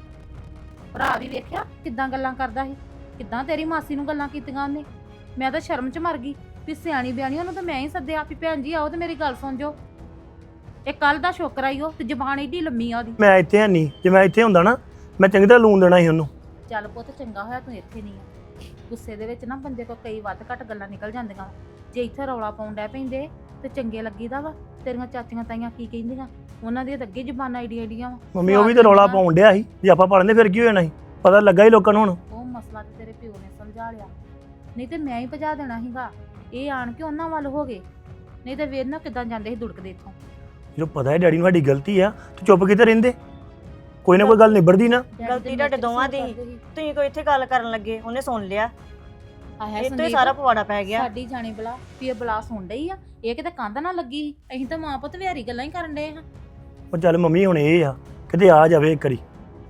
Speaker 2: ਭਰਾ ਵੀ ਵੇਖਿਆ ਕਿੱਦਾਂ ਗੱਲਾਂ ਕਰਦਾ ਸੀ, ਕਿੱਦਾਂ ਤੇਰੀ ਮਾਸੀ ਨੂੰ ਗੱਲਾਂ ਕੀਤੀਆਂ ਉਹਨੇ। ਮੈਂ ਤਾਂ ਸ਼ਰਮ 'ਚ ਮਰ ਗਈ ਵੀ ਸਿਆਣੀ ਬਿਆਣੀ ਉਹਨੂੰ ਤਾਂ ਮੈਂ ਹੀ ਸੱਦਿਆ ਵੀ ਭੈਣ ਜੀ ਆਓ ਤੇ ਮੇਰੀ ਗੱਲ ਸੁਣ ਜੋ। ਇਹ ਕੱਲ ਦਾ ਸ਼ੋਕਰ ਆਈ ਉਹ ਤੇ ਜ਼ਬਾਨ ਏਡੀ ਲੰਮੀ ਆ ਉਹਦੀ।
Speaker 5: ਮੈਂ ਇੱਥੇ ਹੈ ਨਹੀਂ, ਜੇ ਮੈਂ ਇੱਥੇ ਹੁੰਦਾ ਨਾ ਮੈਂ ਚੰਗੀ ਤਰ੍ਹਾਂ ਲੂਣ ਦੇਣਾ ਸੀ ਉਹਨੂੰ।
Speaker 2: ਚੱਲ ਪੁੱਤ ਚੰਗਾ ਹੋਇਆ ਤੂੰ ਇੱਥੇ ਨਹੀਂ ਆ। ਗੁੱਸੇ ਦੇ ਵਿੱਚ ਨਾ ਬੰਦੇ ਕੋਲ ਕਈ ਵੱਧ ਘੱਟ ਗੱਲਾਂ ਨਿਕਲ ਜਾਂਦੀਆਂ। ਜੇ ਇੱਥੇ ਰੌਲਾ ਪਾਉਣ ਡੈ ਪੈਂਦੇ ਤੇ ਚੰਗੇ ਲੱਗੀਦਾ ਵਾ। ਤੇਰੀਆਂ ਚਾਚੀਆਂ ਤਾਈਆਂ ਕੀ ਕਹਿੰਦੀਆਂ, ਉਹਨਾਂ ਦੀਆਂ ਤਾਂ ਅੱਗੇ ਜ਼ਬਾਨਾਂ ਏਡੀਆਂ ਵਾ।
Speaker 5: ਮੰਮੀ ਉਹ ਵੀ ਤੇ ਰੌਲਾ ਪਾਉਣ ਡਿਆ ਸੀ, ਜੇ ਆਪਾਂ ਪੜ੍ਹਨੇ ਫਿਰ ਕੀ ਹੋ ਜਾਣਾ ਸੀ? ਪਤਾ ਲੱਗਾ ਹੀ ਲੋਕਾਂ ਨੂੰ ਹੁਣ।
Speaker 2: ਉਹ ਮਸਲਾ ਤੇ ਤੇਰੇ ਪਿਓ ਨੇ ਸਮਝਾ ਲਿਆ, ਨਹੀਂ ਤੇ ਮੈਂ ਹੀ ਭਜਾ ਦੇਣਾ ਸੀਗਾ। ਇਹ ਆਣ ਕੇ ਉਹਨਾਂ ਵੱਲ ਹੋ ਗਏ, ਨਹੀਂ ਤੇ ਵੇਖ ਨਾ ਕਿੱਦਾਂ ਜਾਂਦੇ ਸੀ ਦੁੜਕਦੇ ਇੱਥੋਂ।
Speaker 5: ਜਦੋਂ ਪਤਾ ਹੈ ਡੈਡੀ ਨੂੰ ਸਾਡੀ ਗਲਤੀ ਆ ਤੂੰ ਚੁੱਪ ਕਿਤੇ ਰਹਿੰਦੇ? ਕੋਈ ਨਾ ਕੋਈ ਗੱਲ ਨਿਬੜਦੀ ਨਾ।
Speaker 6: ਗਲਤੀ ਤੁਹਾਡੇ ਦੋਵਾਂ ਦੀ ਸੀ। ਤੁਸੀਂ ਕੋਈ ਇੱਥੇ ਗੱਲ ਕਰਨ ਲੱਗੇ, ਉਹਨੇ ਸੁਣ ਲਿਆ,
Speaker 2: ਆਹ
Speaker 6: ਇੱਥੇ ਸਾਰਾ ਪਵਾੜਾ ਪੈ ਗਿਆ।
Speaker 2: ਸਾਡੀ ਜਾਣੇ ਬਲਾ ਵੀ ਇਹ ਬਲਾ ਸੁਣ ਡਈ ਆ। ਇਹ ਕਿਤੇ ਕੰਧ ਨਾ ਲੱਗੀ ਸੀ। ਅਸੀਂ ਤਾਂ ਮਾਂ ਪੁੱਤ ਵਿਹਾਰੀ ਗੱਲਾਂ ਹੀ ਕਰਨ ਡਏ ਹਾਂ।
Speaker 5: ਉਹ ਚੱਲ ਮੰਮੀ ਹੁਣ ਇਹ ਆ ਕਿਤੇ ਆ ਜਾਵੇ ਇੱਕ ਵਾਰੀ।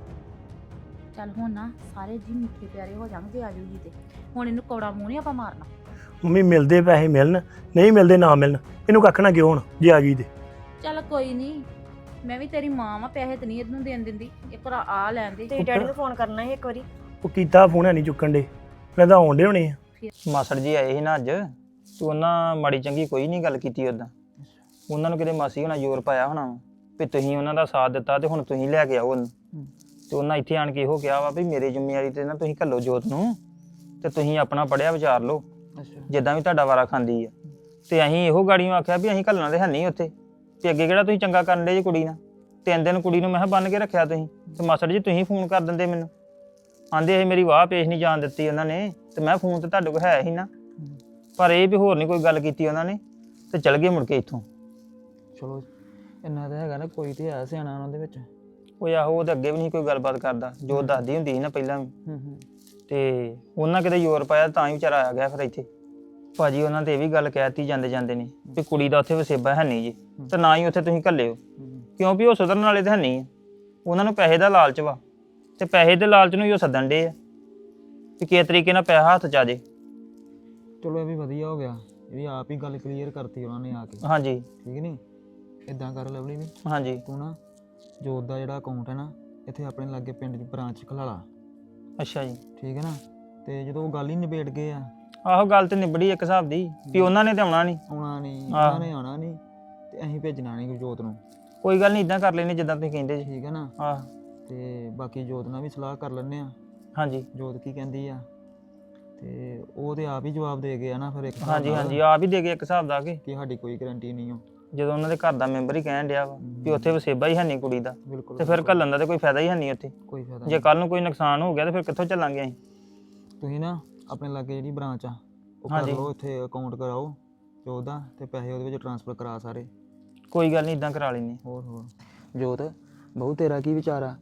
Speaker 2: ਚੱਲ ਹੁਣ ਨਾ ਸਾਰੇ ਜੀ ਮਿੱਠੇ ਪਿਆਰੇ ਹੋ ਜਾਣਗੇ ਆ ਜੂਗੀ ਤੇ। ਹੁਣ ਇਹਨੂੰ ਕੌੜਾ ਮੂੰਹ ਨਹੀਂ ਆਪਾਂ ਮਾਰਨਾ।
Speaker 5: ਮੰਮੀ ਮਿਲਦੇ ਪੈਸੇ ਮਿਲਣ, ਨਹੀਂ ਮਿਲਦੇ ਨਾ ਮਿਲਣ, ਇਹਨੂੰ ਕੱਖ ਨਾ ਕਿਉਂ ਹੁਣ ਜੇ ਆ ਗਈ ਤੇ।
Speaker 2: ਚੱਲ ਕੋਈ ਨਹੀਂ, ਮੈਂ ਵੀ ਤੇਰੀ ਮਾਂ ਵਾਂ, ਪੈਸੇ ਤੇ ਨਹੀਂ ਇਹਨੂੰ ਦੇਣ ਦਿੰਦੀ। ਇੱਕ ਵਾਰ ਆ ਲੈਣ ਦੇ।
Speaker 6: ਤੁਸੀਂ ਡੈਡੀ ਨੂੰ ਫੋਨ ਕਰਨਾ ਸੀ ਇੱਕ ਵਾਰੀ।
Speaker 5: ਉਹ ਕੀਤਾ ਫੋਨ ਹੈ ਨਹੀਂ ਚੁੱਕਣ ਦੇ, ਮੈਂ ਤਾਂ ਆਉਣ ਡੇ ਹੋਣੇ ਆ।
Speaker 3: ਮਾਸੜ ਜੀ ਆਏ ਸੀ ਨਾ ਅੱਜ, ਤੂੰ ਉਹਨਾਂ ਮਾੜੀ ਚੰਗੀ ਕੋਈ ਨਹੀਂ ਗੱਲ ਕੀਤੀ ਉਦਾਂ। ਉਹਨਾਂ ਨੂੰ ਕਿਤੇ ਮਾਸੀ ਹੋਣਾ ਜ਼ੋਰ ਪਾਇਆ ਹੋਣਾ ਵਾ ਵੀ ਤੁਸੀਂ ਉਹਨਾਂ ਦਾ ਸਾਥ ਦਿੱਤਾ ਤੇ ਹੁਣ ਤੁਸੀਂ ਲੈ ਕੇ ਆਓ ਉਹਨੂੰ। ਤੇ ਉਹਨਾਂ ਇੱਥੇ ਆਣ ਕੇ ਇਹੋ ਕਿਹਾ ਵਾ ਵੀ ਮੇਰੀ ਜ਼ਿੰਮੇਵਾਰੀ ਤੇ ਨਾ ਤੁਸੀਂ ਘੱਲੋ ਜੋਤ ਨੂੰ, ਤੇ ਤੁਸੀਂ ਆਪਣਾ ਪੜਿਆ ਵਿਚਾਰ ਲਓ ਜਿੱਦਾਂ ਵੀ ਤੁਹਾਡਾ ਵਾਰਾ ਖਾਂਦੀ ਆ। ਤੇ ਅਸੀਂ ਇਹੋ ਗਾੜੀਆਂ ਆਖਿਆ ਵੀ ਅਸੀਂ ਘੱਲਣਾ ਤੇ ਹੈ ਨਹੀਂ ਉੱਥੇ, ਤੇ ਅੱਗੇ ਕਿਹੜਾ ਤੁਸੀਂ ਚੰਗਾ ਕਰਨ ਦੇ ਜੀ ਕੁੜੀ ਨਾਲ। 3 ਦਿਨ ਕੁੜੀ ਨੂੰ ਮੈਂ ਬੰਨ ਕੇ ਰੱਖਿਆ ਤੁਸੀਂ, ਤੇ ਮਾਸੜ ਜੀ ਤੁਸੀਂ ਫੋਨ ਕਰ ਦਿੰਦੇ ਮੈਨੂੰ। ਆਂਦੇ ਇਹ ਮੇਰੀ ਵਾਹ ਪੇਸ਼ ਨਹੀਂ ਜਾਣ ਦਿੱਤੀ ਉਹਨਾਂ ਨੇ, ਤੇ ਮੈਂ ਫੋਨ ਤੇ ਤੁਹਾਡੇ ਕੋਲ ਹੈ ਹੀ ਨਾ। ਪਰ ਇਹ ਵੀ ਹੋਰ ਨਹੀਂ ਕੋਈ ਗੱਲ ਕੀਤੀ ਉਹਨਾਂ ਨੇ, ਤੇ ਚਲ ਗਏ ਮੁੜ ਕੇ ਇੱਥੋਂ।
Speaker 7: ਚਲੋ ਇੰਨਾ ਤਾਂ ਹੈਗਾ ਨਾ, ਕੋਈ ਤੇ ਹੈ ਸਿਆਣਾ ਉਹਨਾਂ ਦੇ ਵਿੱਚ।
Speaker 3: ਉਹ ਆਹੋ ਉਹ ਤਾਂ ਅੱਗੇ ਵੀ ਨਹੀਂ ਕੋਈ ਗੱਲਬਾਤ ਕਰਦਾ, ਜੋ ਦੱਸਦੀ ਹੁੰਦੀ ਸੀ ਨਾ ਪਹਿਲਾਂ ਵੀ। ਤੇ ਉਹਨਾਂ ਕਿਤੇ ਜ਼ੋਰ ਪਾਇਆ ਤਾਂ ਹੀ ਵਿਚਾਰਾ ਆ ਗਿਆ ਫਿਰ ਇੱਥੇ। ਭਾਜੀ ਉਹਨਾਂ ਤੇ ਇਹ ਵੀ ਗੱਲ ਕਹਿਤੀ ਜਾਂਦੇ ਜਾਂਦੇ ਨੇ ਵੀ ਕੁੜੀ ਦਾ ਉੱਥੇ ਵਸੇਬਾ ਹੈ ਨਹੀਂ ਜੀ, ਤੇ ਨਾ ਹੀ ਉੱਥੇ ਤੁਸੀਂ ਘੱਲਿਓ, ਕਿਉਂ ਵੀ ਉਹ ਸੁਧਰਨ ਵਾਲੇ ਤਾਂ ਹੈ ਨਹੀਂ ਆ। ਉਹਨਾਂ ਨੂੰ ਪੈਸੇ ਦਾ ਲਾਲਚ ਵਾ, ਤੇ ਪੈਸੇ ਦੇ ਲਾਲਚ ਨੂੰ ਹੀ ਉਹ ਸੱਦਣ ਡੇ ਆ ਵੀ ਕਿਸ ਤਰੀਕੇ ਨਾਲ ਪੈਸਾ ਹੱਥ 'ਚ ਆ ਜੇ।
Speaker 7: ਚਲੋ ਇਹ ਵੀ ਵਧੀਆ ਹੋ ਗਿਆ, ਇਹ ਵੀ ਆਪ ਹੀ ਗੱਲ ਕਲੀਅਰ ਕਰਤੀ ਉਹਨਾਂ ਨੇ ਆ ਕੇ।
Speaker 3: ਹਾਂਜੀ
Speaker 7: ਠੀਕ ਨਹੀਂ? ਇਦਾਂ ਕਰ ਲਵਲੀ ਵੀ,
Speaker 3: ਹਾਂਜੀ
Speaker 7: ਤੂੰ ਨਾ ਜੋਤ ਦਾ ਜਿਹੜਾ ਅਕਾਊਂਟ ਹੈ ਨਾ ਇੱਥੇ ਆਪਣੇ ਲਾਗੇ ਪਿੰਡ 'ਚ ਬ੍ਰਾਂਚ ਖੁਲਾ ਲਾ।
Speaker 3: ਅੱਛਾ ਜੀ।
Speaker 7: ਠੀਕ ਹੈ ਨਾ? ਤੇ ਜਦੋਂ ਉਹ ਗੱਲ ਹੀ ਨਿਬੇੜ ਗਏ ਆ,
Speaker 3: ਆਹੋ ਗੱਲ ਤੇ ਨਿਬੜੀ ਇੱਕ ਹਿਸਾਬ ਦੀ ਵੀ ਉਹਨਾਂ ਨੇ ਤੇ ਆਉਣਾ ਨਹੀਂ।
Speaker 7: ਆਉਣਾ ਨਹੀਂ, ਉਹਨਾਂ ਨੇ ਆਉਣਾ ਨਹੀਂ, ਤੇ ਅਸੀਂ ਭੇਜਣਾ ਨਹੀਂ ਜੋਤ ਨੂੰ।
Speaker 3: ਕੋਈ ਗੱਲ ਨਹੀਂ, ਇਦਾਂ ਕਰ ਲੈਨੇ ਜਿੱਦਾਂ ਤੁਸੀਂ ਕਹਿੰਦੇ ਜੀ।
Speaker 7: ਠੀਕ ਹੈ ਨਾ?
Speaker 3: ਆਹ
Speaker 7: ਤੇ ਬਾਕੀ ਜੋਤ ਨਾਲ ਵੀ ਸਲਾਹ ਕਰ ਲੈਂਦੇ ਆ,
Speaker 3: ਹਾਂਜੀ
Speaker 7: ਜੋਤ ਕੀ ਕਹਿੰਦੀ ਆ। ਤੇ ਉਹ ਤੇ ਆਪ ਹੀ ਜਵਾਬ ਦੇ ਗਏ ਆ ਨਾ ਫਿਰ ਇੱਕ ਹਿਸਾਬ
Speaker 3: ਹਾਂਜੀ
Speaker 7: ਨਾਲ
Speaker 3: ਹਾਂਜੀ ਆਪ ਹੀ ਦੇ ਗਏ ਇੱਕ ਹਿਸਾਬ ਦਾ ਕਿ
Speaker 7: ਕਿ ਸਾਡੀ ਕੋਈ ਗਾਰੰਟੀ ਨਹੀਂ ਹੋ।
Speaker 3: ਜਦੋਂ ਉਹਨਾਂ ਦੇ ਘਰ ਦਾ ਮੈਂਬਰ ਹੀ ਕਹਿਣ ਡਿਆ ਵਾ ਵੀ ਉੱਥੇ ਵਸੇਬਾ ਹੀ ਹੈ ਨਹੀਂ ਕੁੜੀ ਦਾ,
Speaker 7: ਬਿਲਕੁਲ
Speaker 3: ਤੇ ਫਿਰ ਘੱਲਣ ਦਾ ਤੇ ਕੋਈ ਫਾਇਦਾ ਹੀ ਹੈ ਨਹੀਂ ਉੱਥੇ।
Speaker 7: ਕੋਈ ਫਾਇਦਾ
Speaker 3: ਜੇ ਕੱਲ ਨੂੰ ਕੋਈ ਨੁਕਸਾਨ ਹੋ ਗਿਆ ਤੇ ਫਿਰ ਕਿੱਥੋਂ ਚੱਲਾਂਗੇ ਅਸੀਂ?
Speaker 7: ਤੁਸੀਂ ਨਾ ਆਪਣੇ ਲਾਗੇ ਜਿਹੜੀ ਬ੍ਰਾਂਚ ਆ ਉਹ ਕਰ
Speaker 3: ਹਾਂਜੀ।
Speaker 7: ਲਓ, ਇੱਥੇ ਅਕਾਊਂਟ ਕਰਾਓ ਜੋਤ ਦਾ, ਤੇ ਪੈਸੇ ਉਹਦੇ ਵਿੱਚ ਟ੍ਰਾਂਸਫਰ ਕਰਾ ਸਾਰੇ।
Speaker 3: ਕੋਈ ਗੱਲ ਨਹੀਂ, ਇਦਾਂ ਕਰਾ ਲੈਨੇ।
Speaker 7: ਹੋਰ ਜੋਤ ਬਹੁ ਤੇਰਾ ਕੀ ਵਿਚਾਰ ਆ?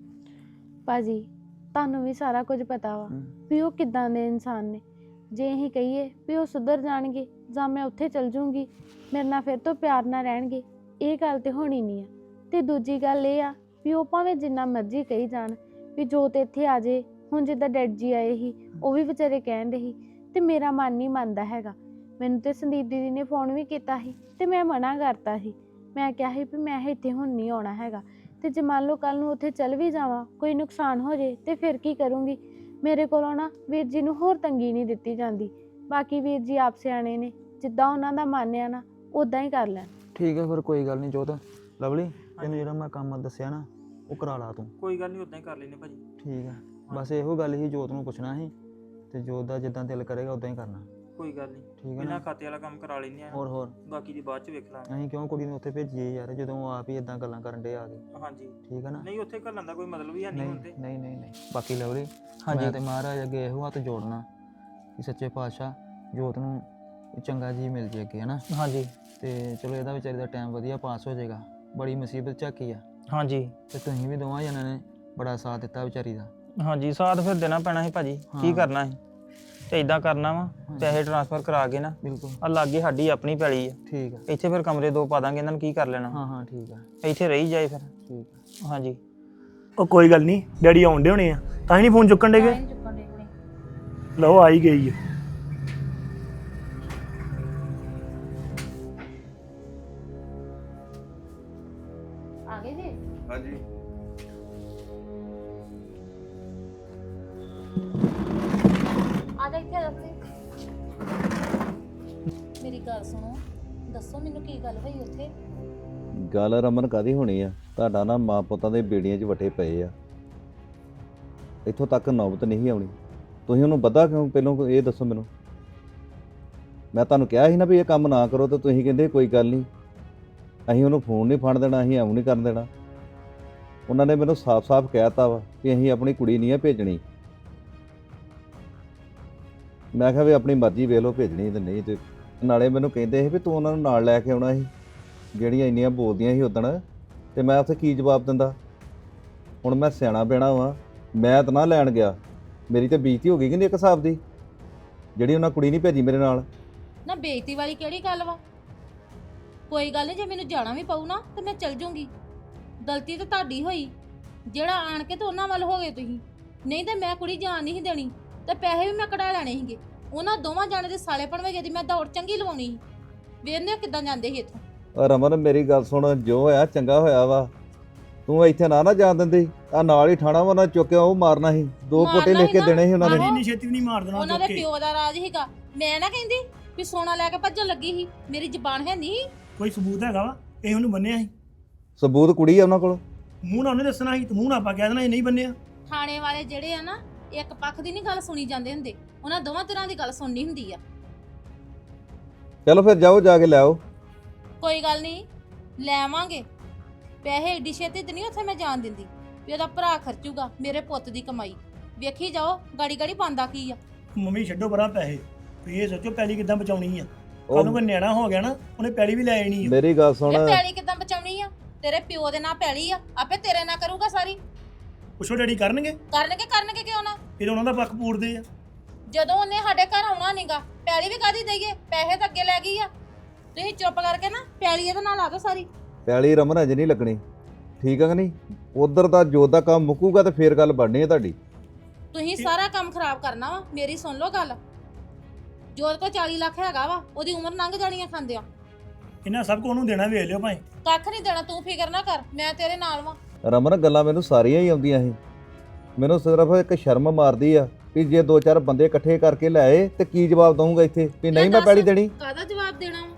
Speaker 8: ਭਾਜੀ ਤੁਹਾਨੂੰ ਵੀ ਸਾਰਾ ਕੁਝ ਪਤਾ ਵਾ ਵੀ ਉਹ ਕਿੱਦਾਂ ਦੇ ਇਨਸਾਨ ਨੇ। ਜੇ ਅਸੀਂ ਕਹੀਏ ਵੀ ਉਹ ਸੁਧਰ ਜਾਣਗੇ ਜਾਂ ਮੈਂ ਉੱਥੇ ਚਲ ਜੂੰਗੀ ਮੇਰੇ ਨਾਲ ਫਿਰ ਤੋਂ ਪਿਆਰ ਨਾਲ ਰਹਿਣਗੇ, ਇਹ ਗੱਲ ਤੇ ਹੋਣੀ ਨਹੀਂ ਆ। ਤੇ ਦੂਜੀ ਗੱਲ ਇਹ ਆ ਵੀ ਉਹ ਭਾਵੇਂ ਜਿੰਨਾ ਮਰਜ਼ੀ ਕਹੀ ਜਾਣ ਵੀ ਜੋਤ ਇੱਥੇ ਆ ਜੇ, ਹੁਣ ਜਿੱਦਾਂ ਡੈਡ ਜੀ ਆਏ ਸੀ ਉਹ ਵੀ ਵਿਚਾਰੇ ਕਹਿਣ ਦੇ ਸੀ, ਤੇ ਮੇਰਾ ਮਨ ਨਹੀਂ ਮੰਨਦਾ ਹੈਗਾ। ਮੈਨੂੰ ਤੇ ਸੰਦੀਪ ਦੀਦੀ ਨੇ ਫੋਨ ਵੀ ਕੀਤਾ ਸੀ ਤੇ ਮੈਂ ਮਨਾ ਕਰਤਾ ਸੀ। ਮੈਂ ਕਿਹਾ ਸੀ ਵੀ ਮੈਂ ਇੱਥੇ ਹੁਣ ਨਹੀਂ ਆਉਣਾ ਹੈਗਾ, ਤੇ ਜੇ ਮੰਨ ਲਓ ਕੱਲ ਨੂੰ ਉੱਥੇ ਚੱਲ ਵੀ ਜਾਵਾਂ ਕੋਈ ਨੁਕਸਾਨ ਹੋ ਜੇ ਤੇ ਫਿਰ ਕੀ ਕਰੂੰਗੀ? ਮੇਰੇ ਕੋਲੋਂ ਨਾ ਵੀਰ ਜੀ ਨੂੰ ਹੋਰ ਤੰਗੀ ਨਹੀਂ ਦਿੱਤੀ ਜਾਂਦੀ। ਬਾਕੀ ਵੀਰ ਜੀ ਆਪ ਸਿਆਣੇ ਨੇ, ਜਿੱਦਾਂ ਉਹਨਾਂ ਦਾ ਮਨ ਆ ਨਾ ਉਦਾਂ ਹੀ ਕਰ ਲੈਣ।
Speaker 7: ਠੀਕ ਹੈ ਫਿਰ ਕੋਈ ਗੱਲ ਨਹੀਂ ਜੋਤ। ਲਵਲੀ ਤੈਨੂੰ ਜਿਹੜਾ ਮੈਂ ਕੰਮ ਦੱਸਿਆ ਨਾ ਉਹ ਕਰਾ ਲਾ ਤੂੰ।
Speaker 3: ਕੋਈ ਗੱਲ ਨਹੀਂ, ਉਦਾਂ ਹੀ ਕਰ ਲੈਨੇ ਭਾਜੀ।
Speaker 7: ਠੀਕ ਹੈ, ਬਸ ਇਹੋ ਗੱਲ ਹੀ ਜੋਤ ਨੂੰ ਪੁੱਛਣਾ ਸੀ, ਤੇ ਜੋਤ ਦਾ ਜਿੱਦਾਂ ਦਿਲ ਕਰੇਗਾ ਉਦਾਂ ਹੀ ਕਰਨਾ।
Speaker 3: ਕੋਈ ਗੱਲ ਨਹੀਂ,
Speaker 7: ਠੀਕ ਹੈ
Speaker 3: ਬਿਨਾਂ
Speaker 7: ਨਾ?
Speaker 3: ਖਾਤੇ ਵਾਲਾ ਕੰਮ ਕਰਾ ਲੈਨੇ ਆ,
Speaker 7: ਹੋਰ
Speaker 3: ਬਾਕੀ ਦੀ ਬਾਅਦ ਚ ਵੇਖ ਲਾਂਗੇ।
Speaker 7: ਅਸੀਂ ਕਿਉਂ ਕੁੜੀ ਨੂੰ ਉੱਥੇ ਭੇਜੀਏ ਯਾਰ, ਜਦੋਂ ਉਹ ਆਪ ਹੀ ਇਦਾਂ ਗੱਲਾਂ ਕਰਨ ਡੇ ਆ ਕੇ।
Speaker 3: ਹਾਂਜੀ
Speaker 7: ਠੀਕ ਹੈ ਨਾ?
Speaker 3: ਨਹੀਂ, ਉੱਥੇ ਘੱਲਣ ਦਾ ਕੋਈ ਮਤਲਬ ਹੀ ਹੈ ਨਹੀਂ ਹੁੰਦੇ।
Speaker 7: ਨਹੀਂ ਬਾਕੀ ਲਵਲੀ
Speaker 3: ਹਾਂਜੀ।
Speaker 7: ਮੈਂ ਤੇ ਮਹਾਰਾਜ ਅੱਗੇ ਇਹੋ ਹੱਥ ਜੋੜਨਾ ਕਿ ਸੱਚੇ ਪਾਤਸ਼ਾਹ ਜੋਤ ਨੂੰ ਚੰਗਾ ਜੀ ਮਿਲ ਜੇ ਅੱਗੇ, ਹੈ ਨਾ?
Speaker 3: ਹਾਂਜੀ
Speaker 7: ਤੇ ਚਲੋ ਇਹਦਾ ਵਿਚਾਰੀ ਦਾ ਟਾਈਮ ਵਧੀਆ ਪਾਸ ਹੋ ਜਾਏਗਾ। ਬੜੀ ਮੁਸੀਬਤ ਝਾਕੀ ਆ,
Speaker 3: ਹਾਂਜੀ
Speaker 7: ਤੇ ਤੁਸੀਂ ਵੀ ਦੋਵਾਂ ਜਣਾਂ ਨੇ ਬੜਾ ਸਾਥ ਦਿੱਤਾ ਵਿਚਾਰੀ ਦਾ।
Speaker 3: ਹਾਂਜੀ ਸਾਥ ਫਿਰ ਦੇਣਾ ਪੈਣਾ ਸੀ ਭਾਜੀ, ਕੀ
Speaker 7: ਹਾਂ।
Speaker 3: ਕਰਨਾ ਸੀ? ਤੇ ਇਦਾਂ ਕਰਨਾ ਵਾ, ਪੈਸੇ ਟ੍ਰਾਂਸਫਰ ਕਰਾ ਕੇ ਨਾ
Speaker 7: ਬਿਲਕੁਲ
Speaker 3: ਆ ਲਾਗੇ ਸਾਡੀ ਆਪਣੀ ਪੈਲੀ ਆ,
Speaker 7: ਠੀਕ ਆ।
Speaker 3: ਇੱਥੇ ਫਿਰ ਕਮਰੇ 2 ਪਾ ਦਾਂਗੇ, ਇਹਨਾਂ ਨੂੰ ਕੀ ਕਰ ਲੈਣਾ?
Speaker 7: ਹਾਂ ਠੀਕ ਆ।
Speaker 3: ਇੱਥੇ ਰਹੀ ਜਾਏ ਫਿਰ।
Speaker 7: ਠੀਕ ਆ।
Speaker 3: ਹਾਂਜੀ
Speaker 5: ਉਹ ਕੋਈ ਗੱਲ ਨਹੀਂ, ਡੈਡੀ ਆਉਣ ਡੇ ਹੋਣੇ ਆ, ਤਾਂ ਹੀ ਨਹੀਂ ਫੋਨ ਚੁੱਕਣ ਡੇਗੇ।
Speaker 2: ਨਹੀਂ ਚੁੱਕਣ ਦੇ ਹੁਣੇ।
Speaker 5: ਲਓ ਆ ਹੀ ਗਈ ਹੈ।
Speaker 2: ਆ ਗਏ ਜੀ?
Speaker 1: ਹਾਂਜੀ
Speaker 2: ਆ ਜਾ ਇੱਥੇ ਦੱਸ। ਮੇਰੀ ਗੱਲ ਸੁਣੋ, ਦੱਸੋ ਮੈਨੂੰ ਕੀ ਗੱਲ ਹੋਈ ਉੱਥੇ?
Speaker 1: ਗੱਲ ਰਮਨ ਕਾਦੀ ਹੋਣੀ ਆ, ਤੁਹਾਡਾ ਨਾ ਮਾਂ ਪੁੱਤਾਂ ਦੇ ਬੇੜੀਆਂ 'ਚ ਵੱਟੇ ਪਏ ਆ। ਇੱਥੋਂ ਤੱਕ ਨੌਬਤ ਨਹੀਂ ਆਉਣੀ। ਤੁਸੀਂ ਉਹਨੂੰ ਬੱਧਾ ਕਿਉਂ? ਪਹਿਲਾਂ ਇਹ ਦੱਸੋ ਮੈਨੂੰ। ਮੈਂ ਤੁਹਾਨੂੰ ਕਿਹਾ ਸੀ ਨਾ ਵੀ ਇਹ ਕੰਮ ਨਾ ਕਰੋ, ਤਾਂ ਤੁਸੀਂ ਕਹਿੰਦੇ ਕੋਈ ਗੱਲ ਨਹੀਂ, ਅਸੀਂ ਉਹਨੂੰ ਫੋਨ ਨਹੀਂ ਫੜ ਦੇਣਾ, ਅਸੀਂ ਐਵੇਂ ਨਹੀਂ ਕਰਨ ਦੇਣਾ। ਉਹਨਾਂ ਨੇ ਮੈਨੂੰ ਸਾਫ਼-ਸਾਫ਼ ਕਹਿ ਦਿੱਤਾ ਵਾ ਕਿ ਅਸੀਂ ਆਪਣੀ ਕੁੜੀ ਨਹੀਂ ਆ ਭੇਜਣੀ। ਮੈਂ ਕਿਹਾ ਵੀ ਆਪਣੀ ਮਰਜ਼ੀ ਵੇਖ ਲਓ, ਭੇਜਣੀ ਤੇ ਨਹੀਂ। ਤੇ ਨਾਲੇ ਮੈਨੂੰ ਕਹਿੰਦੇ ਸੀ ਵੀ ਤੂੰ ਉਹਨਾਂ ਨੂੰ ਨਾਲ ਲੈ ਕੇ ਆਉਣਾ ਸੀ, ਜਿਹੜੀਆਂ ਇੰਨੀਆਂ ਬੋਲਦੀਆਂ ਸੀ ਉਦਣ, ਤੇ ਮੈਂ ਉੱਥੇ ਕੀ ਜਵਾਬ ਦਿੰਦਾ। ਹੁਣ ਮੈਂ ਸਿਆਣਾ ਪੈਣਾ ਵਾਂ, ਮੈਂ ਤਾਂ ਨਾ ਲੈਣ ਗਿਆ, ਮੇਰੀ ਤਾਂ ਬੇਇੱਜ਼ਤੀ ਹੋ ਗਈ ਕਿ ਨਹੀਂ ਇੱਕ ਹਿਸਾਬ ਦੀ, ਜਿਹੜੀ ਉਹਨਾਂ ਕੁੜੀ ਨਹੀਂ ਭੇਜੀ ਮੇਰੇ ਨਾਲ।
Speaker 2: ਨਾ ਬੇਇੱਜ਼ਤੀ ਵਾਲੀ ਕਿਹੜੀ ਗੱਲ ਵਾ? ਕੋਈ ਗੱਲ ਨਹੀਂ, ਜੇ ਮੈਨੂੰ ਜਾਣਾ ਵੀ ਪਊ ਨਾ ਤੇ ਮੈਂ ਚੱਲ ਜੂੰਗੀ। ਗਲਤੀ ਤਾਂ ਤੁਹਾਡੀ ਹੋਈ, ਜਿਹੜਾ ਆਣ ਕੇ ਤੇ ਉਹਨਾਂ ਵੱਲ ਹੋ ਗਏ ਤੁਸੀਂ। ਨਹੀਂ ਤੇ ਮੈਂ ਕੁੜੀ ਜਾਣ ਨਹੀਂ ਸੀ ਦੇਣੀ, ਤੇ ਪੈਸੇ ਵੀ ਮੈਂ ਕਢਾ ਲੈਣੇ ਸੀਗੇ। ਉਹਨਾਂ ਦੋਵਾਂ ਜਾਣੇ ਦੇ ਸਾਲੇ ਭਣਵੇ ਦੀ ਮੈਂ ਦੌੜ ਚੰਗੀ ਲਵਾਉਣੀ ਸੀ। ਵੇਖਦੇ ਕਿੱਦਾਂ ਜਾਂਦੇ ਸੀ ਇੱਥੋਂ।
Speaker 1: ਰਮਨ ਮੇਰੀ ਗੱਲ ਸੁਣ, ਜੋ ਹੋਇਆ ਚੰਗਾ ਹੋਇਆ ਵਾ। ਤੂੰ ਇੱਥੇ ਨਾ ਜਾਣ ਦਿੰਦੀ, ਆ ਨਾਲ ਹੀ ਠਾਣਾ ਵਾ, ਉਹਨਾਂ ਚੁੱਕਿਆ ਉਹ ਮਾਰਨਾ ਸੀ। 2
Speaker 2: ਮਾਰਨਾ
Speaker 1: ਪੋਟੇ ਲਿਖ ਕੇ
Speaker 2: ਸੀ
Speaker 1: ਦੇਣੇ ਸੀ ਉਹਨਾਂ ਨੇ।
Speaker 2: ਆਹੋ।
Speaker 5: ਇੰਨੀ ਛੇਤੀ ਵੀ ਨਹੀਂ ਮਾਰ ਦੇਣਾ
Speaker 2: ਉਹਨਾਂ
Speaker 5: ਚੁੱਕ
Speaker 2: ਦੇ
Speaker 5: ਕੇ।
Speaker 2: ਪਿਓ ਦਾ ਰਾਜ ਸੀਗਾ। ਮੈਂ ਨਾ ਕਹਿੰਦੀ ਵੀ ਸੋਨਾ ਲੈ ਕੇ ਭੱਜਣ ਲੱਗੀ ਸੀ, ਮੇਰੀ ਜ਼ਬਾਨ ਹੈ ਨਹੀਂ।
Speaker 5: ਕੋਈ ਸਬੂਤ ਹੈਗਾ ਵਾ? ਇਹ ਉਹਨੂੰ ਬੰਨਿਆ ਸੀ,
Speaker 1: ਸਬੂਤ ਕੁੜੀ ਆ ਉਹਨਾਂ ਕੋਲ।
Speaker 5: ਮੂੰਹ ਨਾਲ ਉਹਨੇ ਦੱਸਣਾ ਸੀ, ਤੇ ਮੂੰਹ ਨਾਲ ਆਪਾਂ ਕਹਿ ਦੇਣਾ ਇਹ ਨਹੀਂ ਬੰਨਿਆ।
Speaker 2: ਥਾਣੇ ਵਾਲੇ ਜਿਹੜੇ ਆ ਨਾ, ਇੱਕ ਪੱਖ ਦੀ ਨਹੀਂ ਗੱਲ ਸੁਣੀ ਜਾਂਦੇ ਹੁੰਦੇ, ਉਹਨਾਂ ਦੋਵਾਂ ਤਰ੍ਹਾਂ ਦੀ ਗੱਲ ਸੁਣਨੀ ਹੁੰਦੀ ਆ।
Speaker 1: ਚਲੋ ਫਿਰ ਜਾਓ, ਜਾ ਕੇ ਲੈ ਆਓ।
Speaker 2: ਕੋਈ ਗੱਲ ਨਹੀਂ, ਲੈ ਆਵਾਂਗੇ ਪੈਸੇ। ਏਡੀ ਛੇਤੀ ਤੇ ਨਹੀਂ ਉੱਥੇ ਮੈਂ ਜਾਣ ਦਿੰਦੀ ਵੀ ਉਹਦਾ ਭਰਾ ਖਰਚੂਗਾ ਮੇਰੇ ਪੁੱਤ ਦੀ ਕਮਾਈ। ਵੇਖੀ ਜਾਓ ਗਾੜੀ ਗਾੜੀ ਪਾਉਂਦਾ ਕੀ ਆ।
Speaker 5: ਮੰਮੀ ਛੱਡੋ ਪਰਾਂ ਪੈਸੇ, ਤੁਸੀਂ ਇਹ ਸੋਚੋ ਪੈਲੀ ਕਿੱਦਾਂ ਬਚਾਉਣੀ ਆ।
Speaker 1: ਉਹ
Speaker 5: ਕੱਲ ਨੂੰ ਕੋਈ ਨਿਆਣਾ ਹੋ ਗਿਆ ਨਾ, ਉਹਨੇ ਪੈਲੀ ਵੀ ਲੈ ਆਣੀ ਆ।
Speaker 1: ਮੇਰੀ ਗੱਲ ਸੁਣ,
Speaker 2: ਇਹ ਪੈਲੀ ਕਿੱਦਾਂ ਬਚਾਉਣੀ ਆ? ਤੇਰੇ ਪਿਓ ਦੇ ਨਾਂ ਪੈਲੀ ਆ, ਆਪੇ ਤੇਰੇ ਨਾਂ ਕਰੂਗਾ ਸਾਰੀ।
Speaker 5: ਪੁੱਛੋ ਡੈਡੀ ਕਰਨਗੇ?
Speaker 2: ਕਰਨਗੇ ਕਿਉਂ ਨਾ?
Speaker 5: ਫਿਰ ਉਹਨਾਂ ਦਾ ਪੱਖ ਪੂਰਦੇ ਆ।
Speaker 2: ਜਦੋਂ ਉਹਨੇ ਸਾਡੇ ਘਰ ਆਉਣਾ ਨਹੀਂਗਾ, ਪੈਲੀ ਵੀ ਕਾਦੀ ਦਈਏ? ਪੈਸੇ ਤਾਂ ਅੱਗੇ ਲੈ ਗਈ ਆ। ਤੁਸੀਂ ਚੁੱਪ ਕਰਕੇ ਨਾ ਪੈਲੀ ਇਹਦੇ ਨਾਲ ਲਾ ਦੋ ਸਾਰੀ।
Speaker 1: ਪੈਲੀ ਰਮਨ ਅਜੇ ਨਹੀਂ ਲੱਗਣੀ, ਠੀਕ ਆ ਕਿ ਨਹੀਂ? ਉਧਰ ਦਾ ਜੋਤ ਦਾ ਕੰਮ ਮੁੱਕੂਗਾ ਤੇ ਫੇਰ ਗੱਲ ਬਣਨੀ ਹੈ ਤੁਹਾਡੀ।
Speaker 2: ਤੁਸੀਂ ਸਾਰਾ ਕੰਮ ਖਰਾਬ ਕਰਨਾ ਵਾ। ਮੇਰੀ ਸੁਣ ਲਓ ਗੱਲ, ਜੋਤ ਕੋ 40 ਲੱਖ ਹੈਗਾ ਵਾ, ਉਹਦੀ ਉਮਰ ਲੰਘ ਜਾਣੀ ਆ ਖਾਂਦਿਆਂ।
Speaker 5: ਇਹਨਾਂ ਸਭ ਕੋ ਉਹਨੂੰ ਦੇਣਾ, ਵੇਖ ਲਿਓ ਭਾਈ।
Speaker 2: ਕੱਖ ਨਹੀਂ ਦੇਣਾ, ਤੂੰ ਫਿਕਰ ਨਾ ਕਰ, ਮੈਂ ਤੇਰੇ ਨਾਲ ਵਾਂ।
Speaker 1: ਰਮਨ ਗੱਲਾਂ ਮੈਨੂੰ ਸਾਰੀਆਂ ਹੀ ਆਉਂਦੀਆਂ ਸੀ, ਮੈਨੂੰ ਸਿਰਫ ਇੱਕ ਸ਼ਰਮ ਮਾਰਦੀ ਆ ਵੀ ਜੇ 2-4 ਬੰਦੇ ਇਕੱਠੇ ਕਰਕੇ ਲਿਆਏ ਤੇ ਕੀ ਜਵਾਬ ਦਊਂਗਾ ਇੱਥੇ ਵੀ ਨਹੀਂ ਮੈਂ ਪੈਲੀ ਦੇਣੀ।
Speaker 2: ਕਾਹਦਾ ਜਵਾਬ ਦੇਣਾ ਵਾ?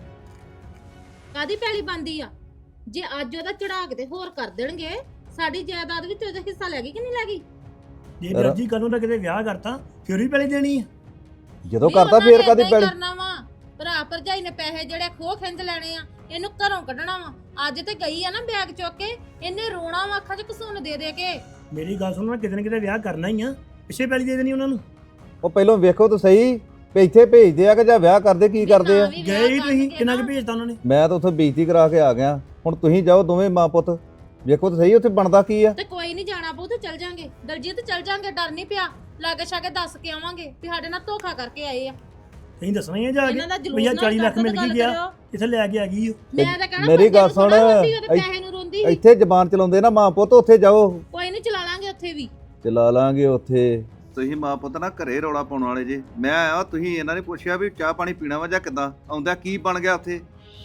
Speaker 2: ਕਾਦੀ ਪੈਲੀ ਬੰਦੀ ਆ? ਜੇ ਅੱਜ ਉਹਦਾ ਚੜਾ ਕੇ ਤੇ ਹੋਰ ਕਰ ਦੇਣਗੇ, ਸਾਡੀ ਜਾਇਦਾਦ ਵਿੱਚ ਉਹਦਾ ਹਿੱਸਾ ਲੈ ਗਈ ਕਿ ਨਹੀਂ ਲੈ ਗਈ?
Speaker 5: ਜੇ ਦਰਜੀ ਕਦੋਂ ਦਾ ਕਿਤੇ ਵਿਆਹ ਕਰਤਾ, ਫਿਰ ਵੀ ਪੈਲੀ ਦੇਣੀ ਆ।
Speaker 1: ਜਦੋਂ
Speaker 2: ਵੀ
Speaker 1: ਕਰਤਾ
Speaker 2: ਉਹਨਾਂ
Speaker 1: ਫੇਰ
Speaker 2: ਨੇ
Speaker 1: ਕਾਦੀ
Speaker 2: ਏਦਾਂ ਹੀ
Speaker 1: ਪੈਲੀ?
Speaker 2: ਕਰਨਾ ਵਾ। ਭਰਾ ਭਰਜਾਈ ਨੇ ਪੈਸੇ ਜਿਹੜੇ ਖੋਹ ਖਿੰਦ ਲੈਣੇ ਆ, ਇਹਨੂੰ ਘਰੋਂ ਕੱਢਣਾ ਵਾ। ਅੱਜ ਤੇ ਗਈ ਆ ਨਾ ਬੈਗ ਚੁੱਕ ਕੇ, ਇਹਨੇ ਰੋਣਾ ਵਾ ਅੱਖਾਂ 'ਚ ਘਸੁੰਨ ਦੇ ਦੇ ਕੇ।
Speaker 5: ਮੇਰੀ ਗੱਲ ਸੁਣੋ, ਕਿਤੇ ਨਾ ਕਿਤੇ ਵਿਆਹ ਕਰਨਾ ਹੀ ਆ, ਪਿੱਛੇ ਪੈਲੀ ਦੇ ਦੇਣੀ ਉਹਨਾਂ ਨੂੰ।
Speaker 1: ਉਹ ਪਹਿਲਾਂ ਵੇਖੋ ਤਾਂ ਸਹੀ ਵੀ ਇੱਥੇ ਭੇਜਦੇ ਆ ਕਿ ਜਾਂ ਵਿਆਹ ਕਰਦੇ ਕੀ ਕਰਦੇ ਆ।
Speaker 2: ਵੀ ਵਿਆਹ
Speaker 5: ਗਏ ਹੀ ਤੁਸੀਂ,
Speaker 2: ਕਰਕੇ
Speaker 5: ਕਿੰਨਾ ਕੁ
Speaker 2: ਨਾ,
Speaker 5: ਭੇਜਤਾ ਉਹਨਾਂ ਨੇ?
Speaker 1: ਮੈਂ ਤਾਂ ਉੱਥੇ ਬੇਇੱਜ਼ਤੀ ਕਰਾ ਕੇ ਆ ਗਿਆ। ਹੁਣ ਤੁਸੀਂ ਜਾਓ ਦੋਵੇਂ ਮਾਂ ਪੁੱਤ, ਵੇਖੋ ਤਾਂ ਸਹੀ ਉੱਥੇ ਬਣਦਾ ਕੀ ਆ।
Speaker 2: ਤੇ ਕੋਈ ਨਹੀਂ ਜਾਣਾ ਪਊ ਤੇ ਚੱਲ ਜਾਾਂਗੇ ਦਲਜੀਤ, ਚੱਲ ਜਾਾਂਗੇ, ਡਰ ਨਹੀਂ ਪਿਆ। ਲਾਗੇ ਛਾਗੇ ਦੱਸ ਕੇ ਆਵਾਂਗੇ ਵੀ ਸਾਡੇ ਨਾਲ ਧੋਖਾ ਕਰਕੇ ਆਏ ਆ।
Speaker 5: ਤੁਸੀਂ ਦੱਸਣਾ ਹੀ ਆ ਜਾ ਕੇ
Speaker 2: ਇਹਨਾਂ ਦਾ ਜਲੂਸ
Speaker 5: ਭਈਆ
Speaker 2: ਨਾ
Speaker 5: 40 ਲੱਖ
Speaker 2: ਕੱਢ
Speaker 5: ਮਿਲ
Speaker 2: ਗੱਲ
Speaker 5: ਗਈ ਗਿਆ,
Speaker 2: ਕਰਿਓ।
Speaker 5: ਇੱਥੇ ਲੈ ਕੇ ਆ ਗਈ ਉਹ।
Speaker 2: ਮੈਂ ਤਾਂ ਕਹਿਣਾ
Speaker 1: ਮੇਰੀ ਗੱਲ
Speaker 2: ਬੱਚੇ ਨੂੰ ਥੋੜ੍ਹਾ
Speaker 1: ਸੁਣ,
Speaker 2: ਰੋਂਦੀ ਉਹਦੇ ਪੈਸੇ ਨੂੰ ਰੋਂਦੀ ਸੀ।
Speaker 1: ਇੱਥੇ ਜ਼ਬਾਨ ਚਲਾਉਂਦੇ ਨਾ ਮਾਂ ਪੁੱਤ, ਉੱਥੇ ਜਾਓ,
Speaker 2: ਕੋਈ ਨਹੀਂ ਚਲਾ ਲਾਂਗੇ ਉੱਥੇ ਵੀ।
Speaker 1: ਚਲਾ ਲਾਂਗੇ ਉੱਥੇ। ਤੁਸੀਂ ਮਾਂ ਪੁੱਤ ਨਾ ਘਰੇ ਰੌਲਾ ਪਾਉਣ ਵਾਲੇ ਜੇ। ਮੈਂ ਆਇਆ, ਤੁਸੀਂ ਇਹਨਾਂ ਨੇ ਪੁੱਛਿਆ ਵੀ ਚਾਹ ਪਾਣੀ ਪੀਣਾ ਵਾ ਜਾਂ ਕਿੱਦਾਂ? ਆਉਂਦਾ ਕੀ ਬਣ ਗਿਆ ਉੱਥੇ?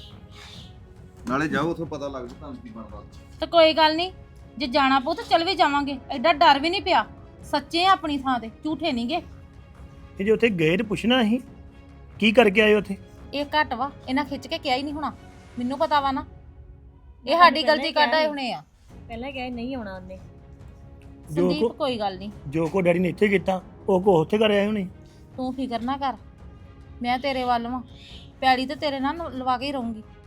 Speaker 1: ਨਾਲੇ ਜਾਓ, ਉੱਥੋਂ ਪਤਾ ਲੱਗ ਜੂ ਤੁਹਾਨੂੰ ਕੀ ਬਣਦਾ।
Speaker 2: ਤੇ ਕੋਈ ਗੱਲ ਨਹੀਂ, ਜੇ ਜਾਣਾ ਪਊ ਤਾਂ ਚੱਲ ਵੀ ਜਾਵਾਂਗੇ, ਐਡਾ ਡਰ ਵੀ ਨਹੀਂ ਪਿਆ। ਸੱਚੇ ਆ ਆਪਣੀ ਥਾਂ ਤੇ, ਝੂਠੇ ਨਹੀਂਗੇ।
Speaker 5: ਤੇ ਜੇ ਉੱਥੇ ਗਏ ਤੇ ਪੁੱਛਣਾ ਸੀ ਕੀ ਕਰਕੇ ਆਏ ਉੱਥੇ।
Speaker 2: ਇਹ ਘੱਟ ਵਾ, ਇਹਨਾਂ ਖਿੱਚ ਕੇ ਕਿਹਾ ਹੀ ਨਹੀਂ ਹੋਣਾ। ਮੈਨੂੰ ਪਤਾ ਵਾ ਨਾ, ਇਹ ਸਾਡੀ ਗਲਤੀ ਕੱਢ ਆਏ ਹੋਣੇ ਆ।
Speaker 6: ਪਹਿਲਾਂ ਕਿਹਾ ਨਹੀਂ ਆਉਣਾ ਉਹਨੇ।
Speaker 2: ਸੰਦੀਪ ਕੋਈ ਗੱਲ ਨਹੀਂ,
Speaker 5: ਜੋ ਕੋ ਡੈਡੀ ਨੇ ਇੱਥੇ ਕੀਤਾ, ਉਹ ਕੋ ਉੱਥੇ ਕਰ ਆਏ ਹੋਣੇ।
Speaker 2: ਤੂੰ ਫਿਕਰ ਨਾ ਕਰ, ਮੈਂ ਤੇਰੇ ਵੱਲ ਵਾਂ। ਪੈੜੀ ਤੇ ਤੇਰੇ ਨਾਲ ਲਵਾ ਕੇ ਹੀ ਰਹੂੰਗੀ।